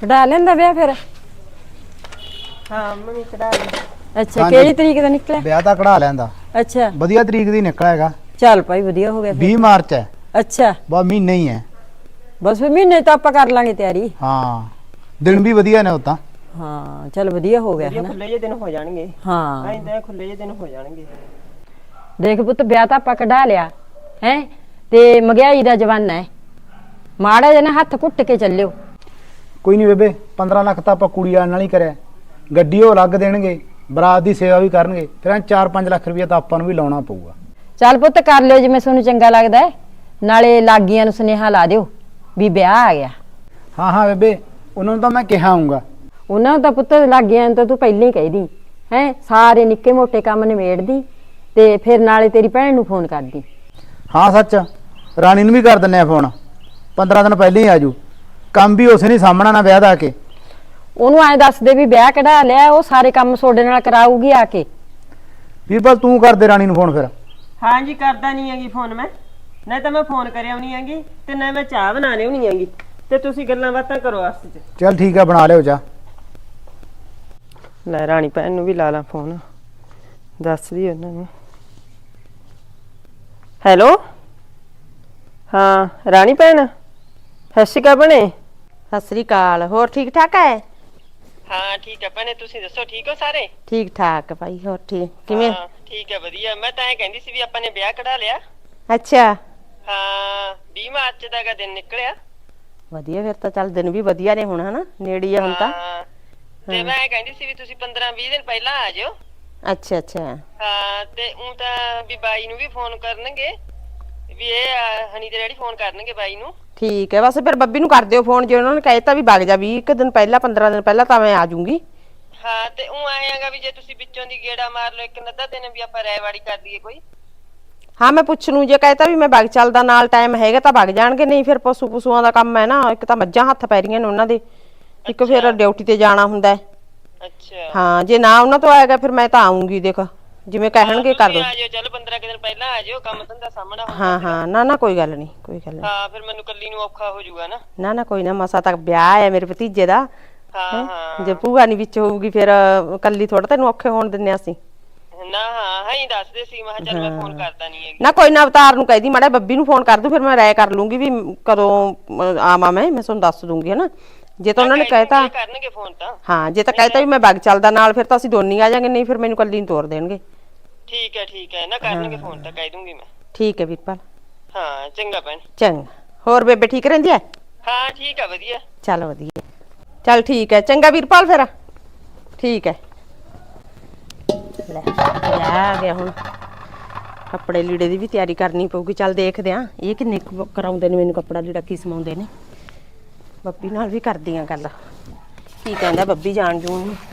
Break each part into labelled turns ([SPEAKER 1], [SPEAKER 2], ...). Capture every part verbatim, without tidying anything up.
[SPEAKER 1] ਕਢਾ ਲੈਂਦਾ ਵਿਆਹ ਫਿਰ?
[SPEAKER 2] ਹਾਂ ਮੰਮੀ ਕਢਾ ਲਈ।
[SPEAKER 1] ਅੱਛਾ ਕਿਹੜੀ ਤਰੀਕ ਦਾ ਨਿਕਲਿਆ
[SPEAKER 3] ਵਿਆਹ ਤਾਂ ਕਢਾ ਲੈਂਦਾ।
[SPEAKER 1] ਅੱਛਾ
[SPEAKER 3] ਵਧੀਆ ਤਰੀਕ ਦੀ ਨਿਕਲਿਆ ਹੈਗਾ।
[SPEAKER 1] ਚੱਲ ਭਾਈ ਵਧੀਆ ਹੋ ਗਿਆ
[SPEAKER 3] ਵੀਹ ਮਾਰਚ ਹੈ।
[SPEAKER 1] ਅੱਛਾ
[SPEAKER 3] ਬਸ ਮਹੀਨਾ ਹੀ ਹੈ।
[SPEAKER 1] ਬਸ ਫਿਰ ਮਹੀਨੇ ਤਾਂ ਆਪਾਂ ਕਰ ਲਾਂਗੇ ਤਿਆਰੀ।
[SPEAKER 3] ਹਾਂ ਦਿਨ ਵੀ ਵਧੀਆ ਨੇ ਉਹ ਤਾਂ।
[SPEAKER 1] ਹਾਂ ਚੱਲ ਵਧੀਆ ਹੋ ਗਿਆ
[SPEAKER 2] ਵਧੀਆ ਖੁੱਲੇ ਜਿਹੇ ਦਿਨ ਹੋ ਜਾਣਗੇ।
[SPEAKER 1] ਹਾਂ
[SPEAKER 2] ਐਂਦਾ ਖੁੱਲੇ ਜਿਹੇ ਦਿਨ ਹੋ ਜਾਣਗੇ।
[SPEAKER 1] ਦੇਖ ਪੁੱਤ ਵਿਆਹ ਤਾਂ ਆਪਾਂ ਕਢਾ ਲਿਆ ਹੈ ਤੇ ਮਹਿੰਗਾਈ ਦਾ ਜ਼ਮਾਨਾ ਹੈ, ਮਾੜਾ ਜਿਹਾ ਨਾ ਹੱਥ ਘੁੱਟ ਕੇ ਚੱਲਿਓ।
[SPEAKER 3] ਕੋਈ ਨਹੀਂ ਬੇਬੇ, ਪੰਦਰਾਂ ਲੱਖ ਤਾਂ ਆਪਾਂ ਕੁੜੀ ਆਣ ਨਾਲ ਹੀ ਕਰਿਆ। ਗੱਡੀ ਉਹ ਅਲੱਗ ਦੇਣਗੇ, ਬਰਾਤ ਦੀ ਸੇਵਾ ਵੀ ਕਰਨਗੇ, ਫਿਰ ਚਾਰ ਪੰਜ ਲੱਖ ਰੁਪਇਆ ਤਾਂ ਆਪਾਂ ਨੂੰ ਵੀ ਲਾਉਣਾ ਪਊਗਾ।
[SPEAKER 1] ਚੱਲ ਪੁੱਤ ਕਰ ਲਿਓ ਜਿਵੇਂ ਤੁਹਾਨੂੰ ਚੰਗਾ ਲੱਗਦਾ ਹੈ, ਨਾਲੇ ਲਾਗੀਆਂ ਨੂੰ ਸੁਨੇਹਾ ਲਾ ਦਿਓ ਵੀ ਵਿਆਹ ਆ ਗਿਆ।
[SPEAKER 3] ਹਾਂ ਹਾਂ ਬੇਬੇ, ਉਹਨਾਂ ਨੂੰ ਤਾਂ ਮੈਂ ਕਿਹਾ ਆਊਂਗਾ।
[SPEAKER 1] ਉਹਨਾਂ ਨੂੰ ਤਾਂ ਪੁੱਤ ਲਾਗੀਆਂ ਨੂੰ ਤਾਂ ਤੂੰ ਪਹਿਲਾਂ ਹੀ ਕਹਿਦੀ ਹੈ, ਸਾਰੇ ਨਿੱਕੇ ਮੋਟੇ ਕੰਮ ਨਿਬੇੜਦੀ ਤੇ ਫਿਰ ਨਾਲੇ ਤੇਰੀ ਭੈਣ ਨੂੰ ਫੋਨ ਕਰਦੀ।
[SPEAKER 3] ਹਾਂ ਸੱਚ, ਰਾਣੀ ਨੂੰ ਵੀ ਕਰ ਦਿੰਨੇ ਆ ਫੋਨ, ਪੰਦਰਾਂ ਦਿਨ ਪਹਿਲਾਂ ਹੀ ਆਜੂ। ਕੰਮ ਵੀ ਉਸੇ ਨਹੀਂ ਸਾਹਮਣਾ ਨਾ ਵਿਆਹ ਦਾ ਆ ਕੇ।
[SPEAKER 1] ਉਹਨੂੰ ਐਂ ਦੱਸ ਦੇ ਵੀ ਵਿਆਹ ਕਢਾ ਲਿਆ, ਉਹ ਸਾਰੇ ਕੰਮ ਤੁਹਾਡੇ ਨਾਲ ਕਰਾਊਗੀ ਆ ਕੇ।
[SPEAKER 3] ਵੀਰਪਾਲ ਤੂੰ ਕਰ ਦੇ ਰਾਣੀ ਨੂੰ ਫੋਨ ਫਿਰ।
[SPEAKER 2] ਹਾਂ ਜੀ ਕਰਦਾ ਨਹੀਂ ਹੈਗੀ ਫੋਨ ਮੈਂ, ਨਾ ਤਾਂ ਮੈਂ ਫੋਨ ਕਰਿਆ ਨਹੀਂ ਹੈਗੀ ਤੇ ਨਾ ਮੈਂ ਚਾਹ ਬਣਾ ਲਿਓ ਨਹੀਂ ਹੈਗੀ, ਤੇ ਤੁਸੀਂ ਗੱਲਾਂ ਬਾਤਾਂ ਕਰੋ ਆਸਤੇ ਚ।
[SPEAKER 3] ਚੱਲ ਠੀਕ ਆ, ਬਣਾ ਲਿਓ ਚਾਹ।
[SPEAKER 2] ਲੈ ਰਾਣੀ ਭੈਣ ਨੂੰ ਵੀ ਲਾ ਲਾ ਫੋਨ, ਦੱਸਦੀ ਉਹਨਾਂ ਨੂੰ। ਹੈਲੋ ਹਾਂ ਰਾਣੀ ਭੈਣ, ਸਤਿ ਸ਼੍ਰੀ ਅਕਾਲ ਭੈਣੇ।
[SPEAKER 4] ਸਤਿ ਸ੍ਰੀ ਅਕਾਲ, ਹੋਰ ਠੀਕ ਠਾਕ ਹੈ?
[SPEAKER 2] ਹਾਂ ਠੀਕ ਹੈ ਭੈਣੇ, ਤੁਸੀਂ ਦੱਸੋ ਠੀਕ ਹੋ ਸਾਰੇ?
[SPEAKER 4] ਠੀਕ ਠਾਕ ਭਾਈ, ਹੋਰ ਠੀਕ ਕਿਵੇਂ?
[SPEAKER 2] ਹਾਂ ਠੀਕ ਹੈ ਵਧੀਆ। ਮੈਂ ਤਾਂ ਐਂ ਕਹਿੰਦੀ ਸੀ ਵੀ ਆਪਾਂ ਨੇ ਵਿਆਹ ਕਢਾ ਲਿਆ।
[SPEAKER 4] ਅੱਛਾ
[SPEAKER 2] ਹਾਂ ਵੀਹ ਮਾਰਚ ਦਾ ਗਾ ਦਿਨ ਨਿਕਲਿਆ।
[SPEAKER 4] ਵਧੀਆ, ਫਿਰ ਤਾਂ ਚੱਲ ਦਿਨ ਵੀ ਵਧੀਆ ਨੇ ਹੁਣ, ਹਨਾ ਨੇੜੇ ਆ ਹੁਣ ਤਾਂ।
[SPEAKER 2] ਹਾਂ ਤੇ ਮੈਂ ਕਹਿੰਦੀ ਸੀ ਵੀ ਤੁਸੀਂ ਪੰਦਰਾਂ ਵੀਹ ਦਿਨ ਪਹਿਲਾਂ ਆ ਜਾਓ।
[SPEAKER 4] ਅੱਛਾ ਅੱਛਾ
[SPEAKER 2] ਹਾਂ ਤੇ ਉਹ ਤਾਂ ਵੀ ਬਾਈ ਨੂੰ ਵੀ ਫੋਨ ਕਰਨਗੇ, ਵੀ ਇਹ ਹਨੀ ਦੇ ਡੈਡੀ ਫੋਨ ਕਰਨਗੇ ਬਾਈ ਨੂੰ।
[SPEAKER 4] ਠੀਕ ਹੈ, ਬਸ ਫਿਰ ਬੱਬੀ ਨੂੰ ਕਰ ਦਿਓ ਫੋਨ, ਜੇ ਉਹਨਾਂ ਨੇ ਕਹਿਤਾ ਵੀ ਵਗ ਜਾ ਵੀਹ ਇੱਕ ਦਿਨ ਪਹਿਲਾਂ ਪੰਦਰਾਂ ਦਿਨ ਪਹਿਲਾਂ ਤਾਂ ਮੈਂ ਆ ਜਾਊਂਗੀ।
[SPEAKER 2] ਹਾਂ ਤੇ ਉਹ ਆਏਗਾ ਵੀ ਜੇ ਤੁਸੀਂ ਵਿੱਚੋਂ ਦੀ ਗੇੜਾ ਮਾਰ ਲਓ ਇੱਕ ਅੱਧਾ ਦਿਨ, ਵੀ ਆਪਾਂ ਰਾਇਵਾੜੀ ਕਰ ਦਈਏ ਕੋਈ।
[SPEAKER 4] ਹਾਂ ਮੈਂ ਪੁੱਛ ਲੂੰ, ਜੇ ਕਹਿਤਾ ਵੀ ਮੈਂ ਵਗ ਚੱਲਦਾ ਨਾਲ ਟਾਈਮ ਹੈਗਾ ਤਾਂ ਵਗ ਜਾਣਗੇ, ਨਹੀਂ ਫਿਰ ਪਸ਼ੂ ਪਸ਼ੂਆਂ ਦਾ ਕੰਮ ਹੈ ਨਾ, ਇੱਕ ਤਾਂ ਮੱਝਾਂ ਹੱਥ ਪੈ ਰਹੀਆਂ ਨੇ ਉਹਨਾਂ ਦੇ, ਇੱਕ ਫਿਰ ਡਿਊਟੀ ਤੇ ਜਾਣਾ ਹੁੰਦਾ।
[SPEAKER 2] ਅੱਛਾ
[SPEAKER 4] ਹਾਂ ਜੇ ਨਾ ਉਹਨਾਂ ਤੋਂ ਆਏਗਾ ਫਿਰ ਮੈਂ ਤਾਂ ਆਉਂਗੀ, ਦੇਖ ਜਿਵੇਂ ਕਹਿਣਗੇ ਕਰ ਦੋ।
[SPEAKER 2] ਆ ਜਾਓ, ਚੱਲ ਪੰਦਰਾਂ ਦਿਨ ਪਹਿਲਾਂ ਆ ਜਾਓ, ਕੰਮ ਧੰਦਾ ਸਾਹਮਣਾ ਹੁੰਦਾ।
[SPEAKER 4] ਹਾਂ ਹਾਂ ਨਾ ਨਾ ਕੋਈ ਗੱਲ ਨਹੀਂ, ਕੋਈ ਗੱਲ ਨਹੀਂ।
[SPEAKER 2] ਹਾਂ ਫਿਰ ਮੈਨੂੰ ਕੱਲੀ ਨੂੰ ਔਖਾ ਹੋ ਜਾਊਗਾ ਨਾ।
[SPEAKER 4] ਨਾ ਨਾ ਕੋਈ ਨਾ, ਮਸਾ ਤੱਕ ਵਿਆਹ ਹੈ ਮੇਰੇ ਭਤੀਜੇ ਦਾ।
[SPEAKER 2] ਹਾਂ ਹਾਂ
[SPEAKER 4] ਜੇ ਭੂਆ ਨਹੀਂ ਵਿੱਚ ਹੋਊਗੀ ਫਿਰ ਕੱਲੀ ਥੋੜਾ ਤੈਨੂੰ ਔਖੇ ਹੋਣ ਦਿੰਨੇ ਅਸੀਂ।
[SPEAKER 2] ਨਾ ਹਾਂ ਹਾਂ ਹੀ ਦੱਸਦੇ ਸੀ, ਮੈਂ ਚੱਲ ਮੈਂ ਫੋਨ ਕਰਦਾ ਨਹੀਂ ਹੈਗੀ।
[SPEAKER 4] ਨਾ ਕੋਈ ਨਾ, ਅਵਤਾਰ ਨੂੰ ਕਹਿਦੀ ਮਾੜਾ ਬੱਬੀ ਨੂੰ ਫੋਨ ਕਰ ਦੂ, ਫਿਰ ਮੈਂ ਰਾਏ ਕਰ ਲੂੰਗੀ ਵੀ ਕਦੋਂ ਆਵਾਂ। ਮੈਂ ਮੈਂ ਤੁਹਾਨੂੰ ਦੱਸ ਦੂੰਗੀ ਹਨਾ, ਜੇ ਤਾਂ ਉਹਨਾਂ ਨੇ ਕਹਿਤਾ
[SPEAKER 2] ਕਰਨਗੇ ਫੋਨ ਤਾਂ।
[SPEAKER 4] ਹਾਂ ਜੇ ਤਾਂ ਕਹਿਤਾ ਵੀ ਮੈਂ ਬਗ ਚੱਲਦਾ ਨਾਲ, ਫਿਰ ਤਾਂ ਅਸੀਂ ਦੋਨੀ ਆ ਜਾਾਂਗੇ, ਨਹੀਂ ਫਿਰ ਮੈਨੂੰ ਕੱਲੀ ਨੂੰ ਤੋਰ ਦੇਣਗੇ।
[SPEAKER 2] ਠੀਕ ਹੈ ਠੀਕ ਹੈ, ਨਾ ਕਰਨਗੇ ਫੋਨ ਤਾਂ ਕਹਿ ਦੂੰਗੀ ਮੈਂ।
[SPEAKER 4] ਠੀਕ ਹੈ ਵੀਰਪਾਲ।
[SPEAKER 2] ਹਾਂ ਚੰਗਾ ਭੈਣ।
[SPEAKER 4] ਚੰਗਾ, ਹੋਰ ਬੇਬੇ ਠੀਕ ਰਹਿੰਦੀ ਹੈ?
[SPEAKER 2] ਹਾਂ ਠੀਕ ਹੈ ਵਧੀਆ।
[SPEAKER 4] ਚੱਲ ਵਧੀਆ, ਚੱਲ ਠੀਕ ਹੈ, ਚੰਗਾ ਵੀਰਪਾਲ ਫਿਰ। ਠੀਕ ਹੈ, ਲੈ ਆ ਗਿਆ ਹੁਣ, ਕੱਪੜੇ ਲੀੜੇ ਦੀ ਵੀ ਤਿਆਰੀ ਕਰਨੀ ਪਊਗੀ। ਚੱਲ ਦੇਖਦੇ ਆ ਇਹ ਕਿੰਨੇ ਕਰਾਉਂਦੇ ਨੇ ਮੈਨੂੰ ਕੱਪੜਾ ਲੀੜਾ, ਕੀ ਸਮਾਉਂਦੇ ਨੇ। ਬੱਬੀ ਨਾਲ ਵੀ ਕਰਦੀ ਆ ਗੱਲ, ਕੀ ਕਹਿੰਦਾ ਬੱਬੀ ਜਾਣ ਜੂਣ ਨੂੰ।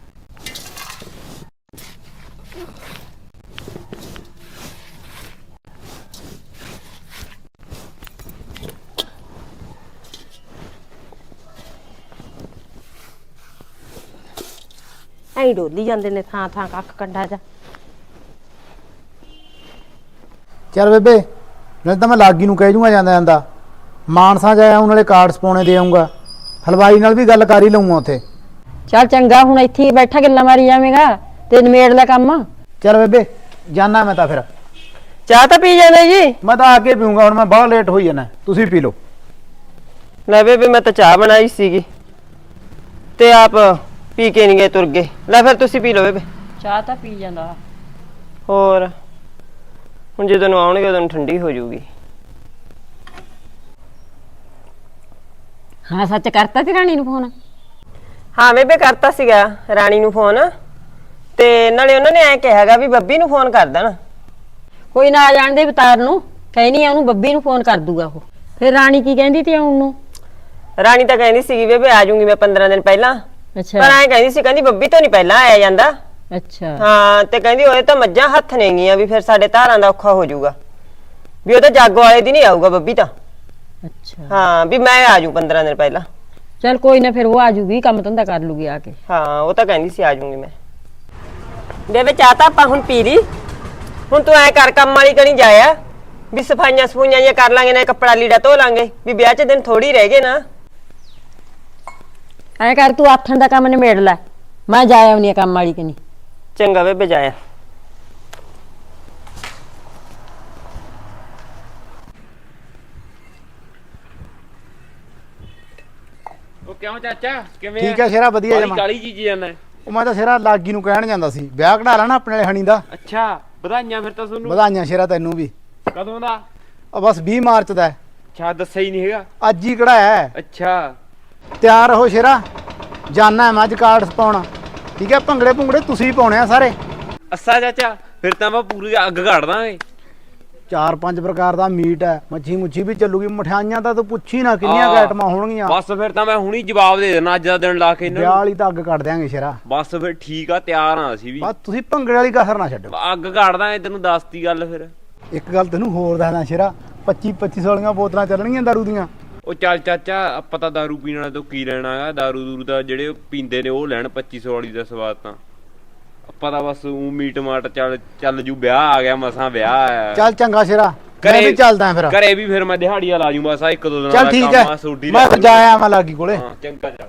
[SPEAKER 4] ਐਂ ਡੋਲੀ ਜਾਂਦੇ ਨੇ ਥਾਂ ਥਾਂ ਕੱਖ ਕੰਡਾ ਜਾ।
[SPEAKER 3] ਚੱਲ ਬੇਬੇ, ਨਹੀਂ ਤਾਂ ਮੈਂ ਲਾਗੀ ਨੂੰ ਕਹਿ ਜੂਗਾ ਜਾਂਦਾ ਜਾਂਦਾ, ਮਾਨਸਾ ਜਾਇਆ ਉਹਨਾਂ ਨਾਲੇ ਕਾਰਡਸ ਪਾਉਣੇ ਦੇ ਆਊਂਗਾ, ਹਲਵਾਈ ਨਾਲ ਵੀ ਗੱਲ ਕਰ ਹੀ ਲਊਂਗਾ ਉੱਥੇ।
[SPEAKER 1] ਚੱਲ ਚੰਗਾ, ਹੁਣ ਇੱਥੇ ਹੀ ਬੈਠਾ ਗੱਲਾਂ ਮਾਰੀ ਜਾਵੇਂਗਾ ਤੇ ਨਿਮੇੜ ਲੈ ਕੰਮ।
[SPEAKER 3] ਚੱਲ ਬੇਬੇ ਜਾਨਾ ਮੈਂ ਤਾਂ ਫਿਰ।
[SPEAKER 2] ਚਾਹ ਤਾਂ ਪੀ ਜਾਂਦੇ ਜੀ?
[SPEAKER 3] ਮੈਂ ਤਾਂ ਆ ਕੇ ਪੀਊਂਗਾ, ਹੁਣ ਮੈਂ ਬਹੁਤ ਲੇਟ ਹੋਈ ਜਾਣਾ, ਤੁਸੀਂ ਪੀ ਲਓ।
[SPEAKER 2] ਲੈ ਬੇਬੇ ਮੈਂ ਤਾਂ ਚਾਹ ਬਣਾਈ ਸੀਗੀ ਤੇ ਆਪ ਪੀ ਕੇ ਨਹੀਂ ਗਏ, ਤੁਰ ਗਏ। ਲੈ ਫਿਰ ਤੁਸੀਂ ਪੀ ਲਓ ਬੇਬੇ।
[SPEAKER 1] ਚਾਹ ਤਾਂ ਪੀ ਜਾਂਦਾ।
[SPEAKER 2] ਹੋਰ ਹੁਣ ਜਦੋਂ ਨੂੰ ਆਉਣਗੇ ਉਦੋਂ ਠੰਡੀ ਹੋ ਜਾਊਗੀ।
[SPEAKER 1] ਹਾਂ ਸੱਚ ਕਰਤਾ ਸੀ ਰਾਣੀ ਨੂੰ ਫੋਨ?
[SPEAKER 2] ਹਾਂ ਬੇਬੇ ਕਰਤਾ ਸੀਗਾ ਰਾਣੀ ਨੂੰ ਫੋਨ, ਤੇ ਨਾਲੇ ਉਹਨਾਂ ਨੇ ਐ ਕਿਹਾਗਾ ਵੀ ਬੱਬੀ ਨੂੰ ਫੋਨ ਕਰ ਦੇਣ।
[SPEAKER 1] ਕੋਈ ਨਾ ਆ ਜਾਣ ਦੇ ਅਵਤਾਰ ਨੂੰ, ਕਹਿਨੀ ਆ ਉਹਨੂੰ ਬੱਬੀ ਨੂੰ ਫੋਨ ਕਰ ਦੂਗਾ ਉਹ। ਫਿਰ ਰਾਣੀ ਕੀ ਕਹਿੰਦੀ ਤੀ ਆਉਣ ਨੂੰ?
[SPEAKER 2] ਰਾਣੀ ਤਾਂ ਕਹਿੰਦੀ ਸੀਗੀ ਬੇਬੇ ਆ ਜਾਊਂਗੀ ਮੈਂ ਪੰਦਰਾਂ ਦਿਨ ਪਹਿਲਾਂ,
[SPEAKER 1] ਅੱਛਾ
[SPEAKER 2] ਪਰ ਐ ਕਹਿੰਦੀ ਸੀ, ਕਹਿੰਦੀ ਬੱਬੀ ਤੋਂ ਨਹੀਂ ਪਹਿਲਾਂ ਆਇਆ ਜਾਂਦਾ।
[SPEAKER 1] ਅੱਛਾ
[SPEAKER 2] ਹਾਂ ਤੇ ਕਹਿੰਦੀ ਉਹਦੇ ਤਾਂ ਮੱਝਾਂ ਹੱਥ ਨੇਗੀਆਂ, ਵੀ ਫਿਰ ਸਾਡੇ ਧਾਰਾਂ ਦਾ ਔਖਾ ਹੋ ਜਾਊਗਾ, ਵੀ ਉਹ ਤਾਂ ਜਾਗੋ ਵਾਲੇ ਦੀ ਨਹੀਂ ਆਊਗਾ ਬੱਬੀ ਤਾਂ।
[SPEAKER 1] ਅੱਛਾ
[SPEAKER 2] ਹਾਂ ਵੀ ਮੈਂ ਆ ਜਾਊਂ ਪੰਦਰਾਂ ਦਿਨ ਪਹਿਲਾਂ।
[SPEAKER 1] ਚੱਲ ਕੋਈ ਨਾ, ਫਿਰ ਉਹ ਆ ਜੂਗੀ, ਕੰਮ ਧੰਦਾ ਕਰ ਲੂਗੀ ਆ ਕੇ।
[SPEAKER 2] ਹਾਂ ਉਹ ਤਾਂ ਕਹਿੰਦੀ ਸੀ ਆ ਜਾਊਂਗੀ ਮੈਂ। ਬੇਬੇ ਚਾਹ ਤਾਂ ਆਪਾਂ ਹੁਣ ਪੀ ਲਈ, ਹੁਣ ਤੂੰ ਐ ਕਰ ਕੰਮ ਵਾਲੀ ਕਣੀ ਜਾਇਆ, ਵੀ ਸਫਾਈਆਂ ਸਫੂਈਆਂ ਜਿਹੀਆਂ ਕਰ ਲਾਂਗੇ, ਨਾ ਕੱਪੜਾ ਲੀੜਾ ਧੋ ਲਾਂਗੇ, ਵੀ ਵਿਆਹ ਚ ਦਿਨ ਥੋੜੀ ਰਹਿ ਗਏ ਨਾ।
[SPEAKER 1] ਐ ਕਰ ਤੂੰ ਆਥਣ ਦਾ ਕੰਮ ਨਿਬੇੜ ਲੈ, ਮੈਂ ਜਾ ਆਉਣੀ ਆ ਕੰਮ ਵਾਲੀ ਕਨੀ।
[SPEAKER 2] ਚੰਗਾ ਬੇਬੇ ਜਾਇਆ।
[SPEAKER 5] ਉਹ ਕਿਉਂ ਚਾਚਾ ਕਿਵੇਂ
[SPEAKER 3] ਠੀਕ ਹੈ ਸ਼ੇਰਾ, ਵਧੀਆ
[SPEAKER 5] ਕਾਲੀ
[SPEAKER 3] ਜਮਾ।
[SPEAKER 5] ਕਾਲੀ ਚੀਜ਼ ਜਾਂਦਾ
[SPEAKER 3] ਉਹ ਮੈਂ ਤਾਂ ਸ਼ੇਰਾ ਲਾਗੀ ਨੂੰ ਕਹਿਣ ਜਾਂਦਾ ਸੀ, ਵਿਆਹ ਕਢਾ ਲੈਣਾ ਆਪਣੇ ਵਾਲੇ ਹਣੀ ਦਾ।
[SPEAKER 5] ਅੱਛਾ ਵਧਾਈਆਂ ਫਿਰ ਤਾਂ ਤੁਹਾਨੂੰ।
[SPEAKER 3] ਵਧਾਈਆਂ ਸ਼ੇਰਾ ਤੈਨੂੰ ਵੀ।
[SPEAKER 5] ਕਦੋਂ ਦਾ?
[SPEAKER 3] ਉਹ ਬਸ ਵੀਹ ਮਾਰਚ ਦਾ ਹੈ।
[SPEAKER 5] ਅੱਛਾ ਦੱਸਿਆ ਹੀ ਨਹੀਂ ਹੈਗਾ।
[SPEAKER 3] ਅੱਜ ਹੀ ਕਢਾਇਆ ਹੈ।
[SPEAKER 5] ਅੱਛਾ
[SPEAKER 3] ਤਿਆਰ ਰਹੋ ਸ਼ੇਰਾ, ਜਾਨਾ ਹੈ ਮੈਂ ਅੱਜ ਕਾਰਡ ਪਾਉਣਾ। ਠੀਕ ਹੈ, ਭੰਗੜੇ ਭੁੰਗੜੇ ਤੁਸੀਂ ਹੀ ਪਾਉਣੇ ਆ ਸਾਰੇ।
[SPEAKER 5] ਅੱਛਾ ਚਾਚਾ ਫਿਰ ਤਾਂ ਮੈਂ ਪੂਰੀ ਅੱਗ ਘੜ ਦਾਂਗੇ।
[SPEAKER 3] ਚਾਰ ਪੰਜ ਪ੍ਰਕਾਰ ਦਾ ਮੀਟ ਹੈ, ਮੱਛੀ ਮੁੱਛੀ ਵੀ ਚੱਲੂਗੀ, ਮਠਿਆਈਆਂ ਤਾਂ ਤੂੰ ਪੁੱਛੀ ਨਾ ਕਿੰਨੀਆਂ ਕੁ ਆਈਟਮਾਂ ਹੋਣਗੀਆਂ।
[SPEAKER 5] ਬਸ ਫਿਰ ਤਾਂ ਮੈਂ ਹੁਣੀ ਜਵਾਬ ਦੇ ਦੇਣਾ ਅੱਜ ਦਾ ਦਿਨ ਲਾ ਕੇ ਇਹਨਾਂ
[SPEAKER 3] ਵਿਆਹ
[SPEAKER 5] ਨੂੰ।
[SPEAKER 3] ਵਾਲੀ ਤਾਂ ਅੱਗ ਕੱਢ ਦਿਆਂਗੇ ਸ਼ੇਰਾ।
[SPEAKER 5] ਬਸ ਫਿਰ ਠੀਕ ਆ, ਤਿਆਰ ਆ ਅਸੀਂ ਵੀ।
[SPEAKER 3] ਬਸ ਤੁਸੀਂ ਭੰਗੜੇ ਵਾਲੀ ਕਸਰ ਨਾ ਛੱਡੋ।
[SPEAKER 5] ਅੱਗ ਘੜ ਦਾਂਗੇ, ਤੈਨੂੰ ਦੱਸਤੀ ਗੱਲ ਫਿਰ।
[SPEAKER 3] ਇੱਕ ਗੱਲ ਤੈਨੂੰ ਹੋਰ ਦੱਸਦਾ ਸ਼ੇਰਾ, ਪੱਚੀ ਪੱਚੀ ਸੌ ਵਾਲੀਆਂ ਬੋਤਲਾਂ ਚੱਲਣਗੀਆਂ ਦਾਰੂ ਦੀਆਂ।
[SPEAKER 5] ਉਹ ਚੱਲ ਚਾਚਾ ਆਪਾਂ ਤਾਂ ਦਾਰੂ ਪੀਣ ਵਾਲੇ ਤੋਂ ਕੀ ਲੈਣਾ ਹੈਗਾ, ਦਾਰੂ ਦੂਰੂ ਦਾ ਜਿਹੜੇ ਉਹ ਪੀਂਦੇ ਨੇ ਉਹ ਲੈਣ ਪੱਚੀ ਸੌ ਵਾਲੀ ਦਾ ਸਵਾਦ ਤਾਂ। ਆਪਾਂ ਤਾਂ ਬਸ ਊ ਮੀਟ ਮਾਟ ਚੱਲ ਚੱਲ ਜੂ, ਵਿਆਹ ਆ ਗਿਆ ਮਸਾਂ ਵਿਆਹ ਆ।
[SPEAKER 3] ਚੱਲ ਚੰਗਾ ਸ਼ੇਰਾ, ਮੈਂ
[SPEAKER 5] ਘਰੇ
[SPEAKER 3] ਵੀ ਚੱਲਦਾ ਫਿਰ।
[SPEAKER 5] ਘਰੇ ਵੀ ਫਿਰ ਮੈਂ ਦਿਹਾੜੀਆਂ ਲਾ ਜੂ ਬਸ, ਆਹ ਇੱਕ ਦੋ ਦਿਨਾਂ
[SPEAKER 3] ਚੱਲ
[SPEAKER 5] ਦਾ
[SPEAKER 3] ਠੀਕ
[SPEAKER 5] ਕੰਮ
[SPEAKER 3] ਹੈ,
[SPEAKER 5] ਆ, ਸੋਡੀ
[SPEAKER 3] ਮੈਂ ਫਿਰ ਜਾ ਆਇਆ ਮੈਂ ਲਾਗੀ ਕੋਲੇ।
[SPEAKER 5] ਹਾਂ ਚੰਗਾ ਚੱਲ।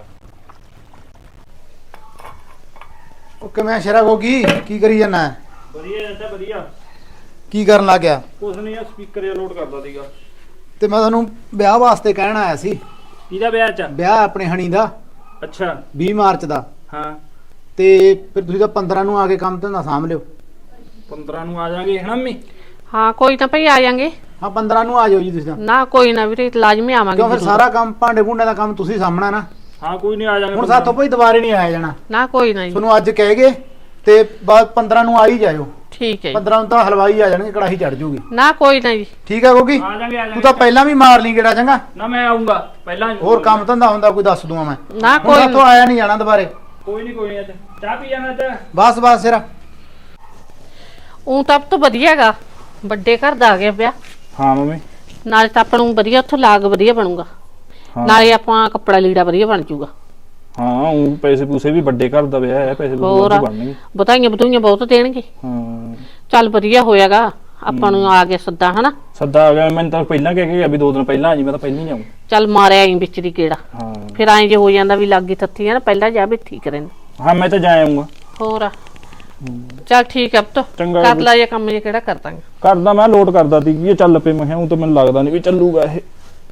[SPEAKER 3] ਉਹ ਕਿਵੇਂ ਸ਼ੇਰਾ ਗੋਗੀ, ਕੀ ਕਰੀ ਜਾਣਾ?
[SPEAKER 6] ਵਧੀਆ ਜਾਂਦਾ ਵਧੀਆ।
[SPEAKER 3] ਕੀ ਕਰਨ ਲੱਗ ਗਿਆ?
[SPEAKER 6] ਕੁਛ ਨਹੀਂ ਆ, ਸਪੀਕਰ ਜਿਹਾ ਲੋਡ ਕਰਦਾ ਸੀਗਾ।
[SPEAKER 3] ਤੇ ਮੈਂ ਤੁਹਾਨੂੰ ਵਿਆਹ ਵਾਸਤੇ ਕਹਿਣ ਆਇਆ ਸੀ।
[SPEAKER 6] ਕਿਹਦਾ ਵਿਆਹ ਚ?
[SPEAKER 3] ਵਿਆਹ ਆਪਣੇ ਹਣੀ ਦਾ
[SPEAKER 6] ਅੱਛਾ
[SPEAKER 3] ਵੀਹ ਮਾਰਚ ਦਾ।
[SPEAKER 6] ਹਾਂ
[SPEAKER 3] ਤੇ ਫਿਰ ਤੁਸੀਂ ਤਾਂ ਪੰਦਰਾਂ ਨੂੰ ਆ ਕੇ ਕੰਮ ਧੰਦਾ ਸਾਂਭ ਲਿਓ।
[SPEAKER 6] ਪੰਦਰਾਂ ਨੂੰ ਆ ਜਾਾਂਗੇ ਹਨਾ ਮੰਮੀ?
[SPEAKER 7] ਹਾਂ ਕੋਈ ਨਾ ਭਈ ਆ ਜਾਾਂਗੇ।
[SPEAKER 3] ਹਾਂ ਪੰਦਰਾਂ ਨੂੰ ਆ ਜਾਓ ਜੀ ਤੁਸੀਂ ਤਾਂ।
[SPEAKER 7] ਨਾ ਕੋਈ ਨਾ ਵੀਰੇ ਲਾਜ਼ਮੀ ਆਵਾਂਗੇ
[SPEAKER 3] ਕਿਉਂ ਫਿਰ
[SPEAKER 7] ਜ਼ਰੂਰ।
[SPEAKER 3] ਸਾਰਾ ਕੰਮ ਭਾਂਡੇ ਭੁੰਡੇ ਦਾ ਕੰਮ ਤੁਸੀਂ ਸਾਂਭਣਾ ਨਾ।
[SPEAKER 6] ਹਾਂ ਕੋਈ ਨਹੀਂ ਆ ਜਾਾਂਗੇ।
[SPEAKER 3] ਹੁਣ ਸਾਥੋਂ ਭਾਈ ਦੁਬਾਰੇ ਨਹੀਂ ਆਇਆ ਜਾਣਾ।
[SPEAKER 7] ਨਾ ਕੋਈ ਨਾ ਜੀ,
[SPEAKER 3] ਤੁਹਾਨੂੰ ਅੱਜ ਕਹਿ ਗਏ ਤੇ ਬਾਅਦ ਪੰਦਰਾਂ ਨੂੰ ਆ ਹੀ ਜਾਇਓ।
[SPEAKER 7] ਠੀਕ ਹੈ ਜੀ।
[SPEAKER 3] ਪੰਦਰਾਂ ਨੂੰ ਤਾਂ ਹਲਵਾਈ ਆ ਜਾਣਗੇ, ਕੜਾਹੀ ਚੜ ਜੂਗੀ।
[SPEAKER 7] ਨਾ ਕੋਈ ਨਾ ਜੀ,
[SPEAKER 3] ਠੀਕ ਹੈ ਗੋਗੀ,
[SPEAKER 6] ਆ ਜਾਾਂਗੇ ਆ
[SPEAKER 3] ਤੂੰ
[SPEAKER 6] ਜਾਾਂਗੇ।
[SPEAKER 3] ਤਾਂ ਪਹਿਲਾਂ ਵੀ ਮਾਰ ਲਈ ਗੇੜਾ ਚੰਗਾ।
[SPEAKER 6] ਨਾ ਮੈਂ ਆਉਂਗਾ ਪਹਿਲਾਂ।
[SPEAKER 3] ਹੋਰ ਕੰਮ ਧੰਦਾ ਹੁੰਦਾ ਕੋਈ ਦੱਸ ਦੂੰਗਾ ਮੈਂ।
[SPEAKER 7] ਨਾ
[SPEAKER 3] ਹੁਣ
[SPEAKER 7] ਕੋਈ
[SPEAKER 3] ਸਾਥੋਂ ਆਇਆ ਨਹੀਂ ਜਾਣਾ ਦੁਬਾਰੇ।
[SPEAKER 6] ਕੋਈ ਨਹੀਂ ਕੋਈ ਨਹੀਂ। ਅੱਜ ਚਾਹ ਪੀ ਜਾਣਾ ਅੱਜ।
[SPEAKER 3] ਬਸ ਬਸ ਸਿਰਾ।
[SPEAKER 7] ਉਹ ਤਾਂ ਤਾਂ ਵਧੀਆ ਹੈਗਾ, ਵੱਡੇ ਘਰ ਦਾ ਆ ਗਿਆ ਵਿਆਹ।
[SPEAKER 6] ਹਾਂ ਮੰਮੀ।
[SPEAKER 7] ਨਾਲੇ ਤਾਂ ਆਪਾਂ ਨੂੰ ਵਧੀਆ ਉੱਥੋਂ ਲਾਗ ਵਧੀਆ ਬਣੂਗਾ, ਨਾਲੇ ਆਪਾਂ ਕੱਪੜਾ ਲੀੜਾ ਵਧੀਆ ਬਣ ਜਾਊਗਾ।
[SPEAKER 6] ਹਾਂ ਉਹ ਪੈਸੇ ਪੂਸੇ ਵੀ ਵੱਡੇ ਘਰ ਦਾ ਵਿਆਹ ਹੈ, ਪੈਸੇ
[SPEAKER 7] ਹੋਰ
[SPEAKER 6] ਬਣਨਗੇ।
[SPEAKER 7] ਬਤਾਈਆਂ ਬਤੂਈਆਂ ਬਹੁਤ ਦੇਣਗੇ।
[SPEAKER 6] ਹਾਂ
[SPEAKER 7] ਚੱਲ ਵਧੀਆ ਹੋਇਆਗਾ, ਆਪਾਂ ਨੂੰ ਆ ਗਿਆ ਸੱਦਾ ਹਨਾ।
[SPEAKER 6] ਸੱਦਾ ਆ ਗਿਆ, ਮੈਨੂੰ ਤਾਂ ਪਹਿਲਾਂ ਕਹਿ ਕੇ ਗਿਆ ਵੀ ਦੋ ਦਿਨ ਪਹਿਲਾਂ ਆ ਜੀ, ਮੈਂ ਤਾਂ ਪਹਿਲਾਂ ਹੀ ਆਉਂ।
[SPEAKER 7] ਚੱਲ ਮਾਰਿਆ ਆਈ ਵਿੱਚ ਦੀ ਕਿਹੜਾ,
[SPEAKER 6] ਹਾਂ
[SPEAKER 7] ਫਿਰ ਐਂ ਜੇ ਹੋ ਜਾਂਦਾ ਵੀ ਲੱਗੀ ਤੱਤੀ ਆ ਨਾ, ਪਹਿਲਾਂ ਜਾ ਵੀ ਠੀਕ ਰਹਿੰਦਾ।
[SPEAKER 6] ਹਾਂ ਮੈਂ ਤਾਂ ਜਾ ਆਉਂਗਾ।
[SPEAKER 7] ਹੋਰ ਚੱਲ ਠੀਕ ਹੈ ਪੁੱਤ,
[SPEAKER 6] ਚੰਗਾ
[SPEAKER 7] ਕਰ
[SPEAKER 6] ਜੀ।
[SPEAKER 7] ਲੈ ਇਹ ਕੰਮ ਜੇ ਕਿਹੜਾ ਕਰ ਦਾਂਗੇ।
[SPEAKER 6] ਕਰਦਾ ਮੈਂ ਲੋਡ ਕਰਦਾ ਸੀ ਕਿ ਇਹ ਚੱਲ ਪਏ, ਮੈਂ ਕਿਹਾ ਉਹ ਤਾਂ ਮੈਨੂੰ ਲੱਗਦਾ ਨਹੀਂ ਵੀ ਚੱਲੂਗਾ ਇਹ।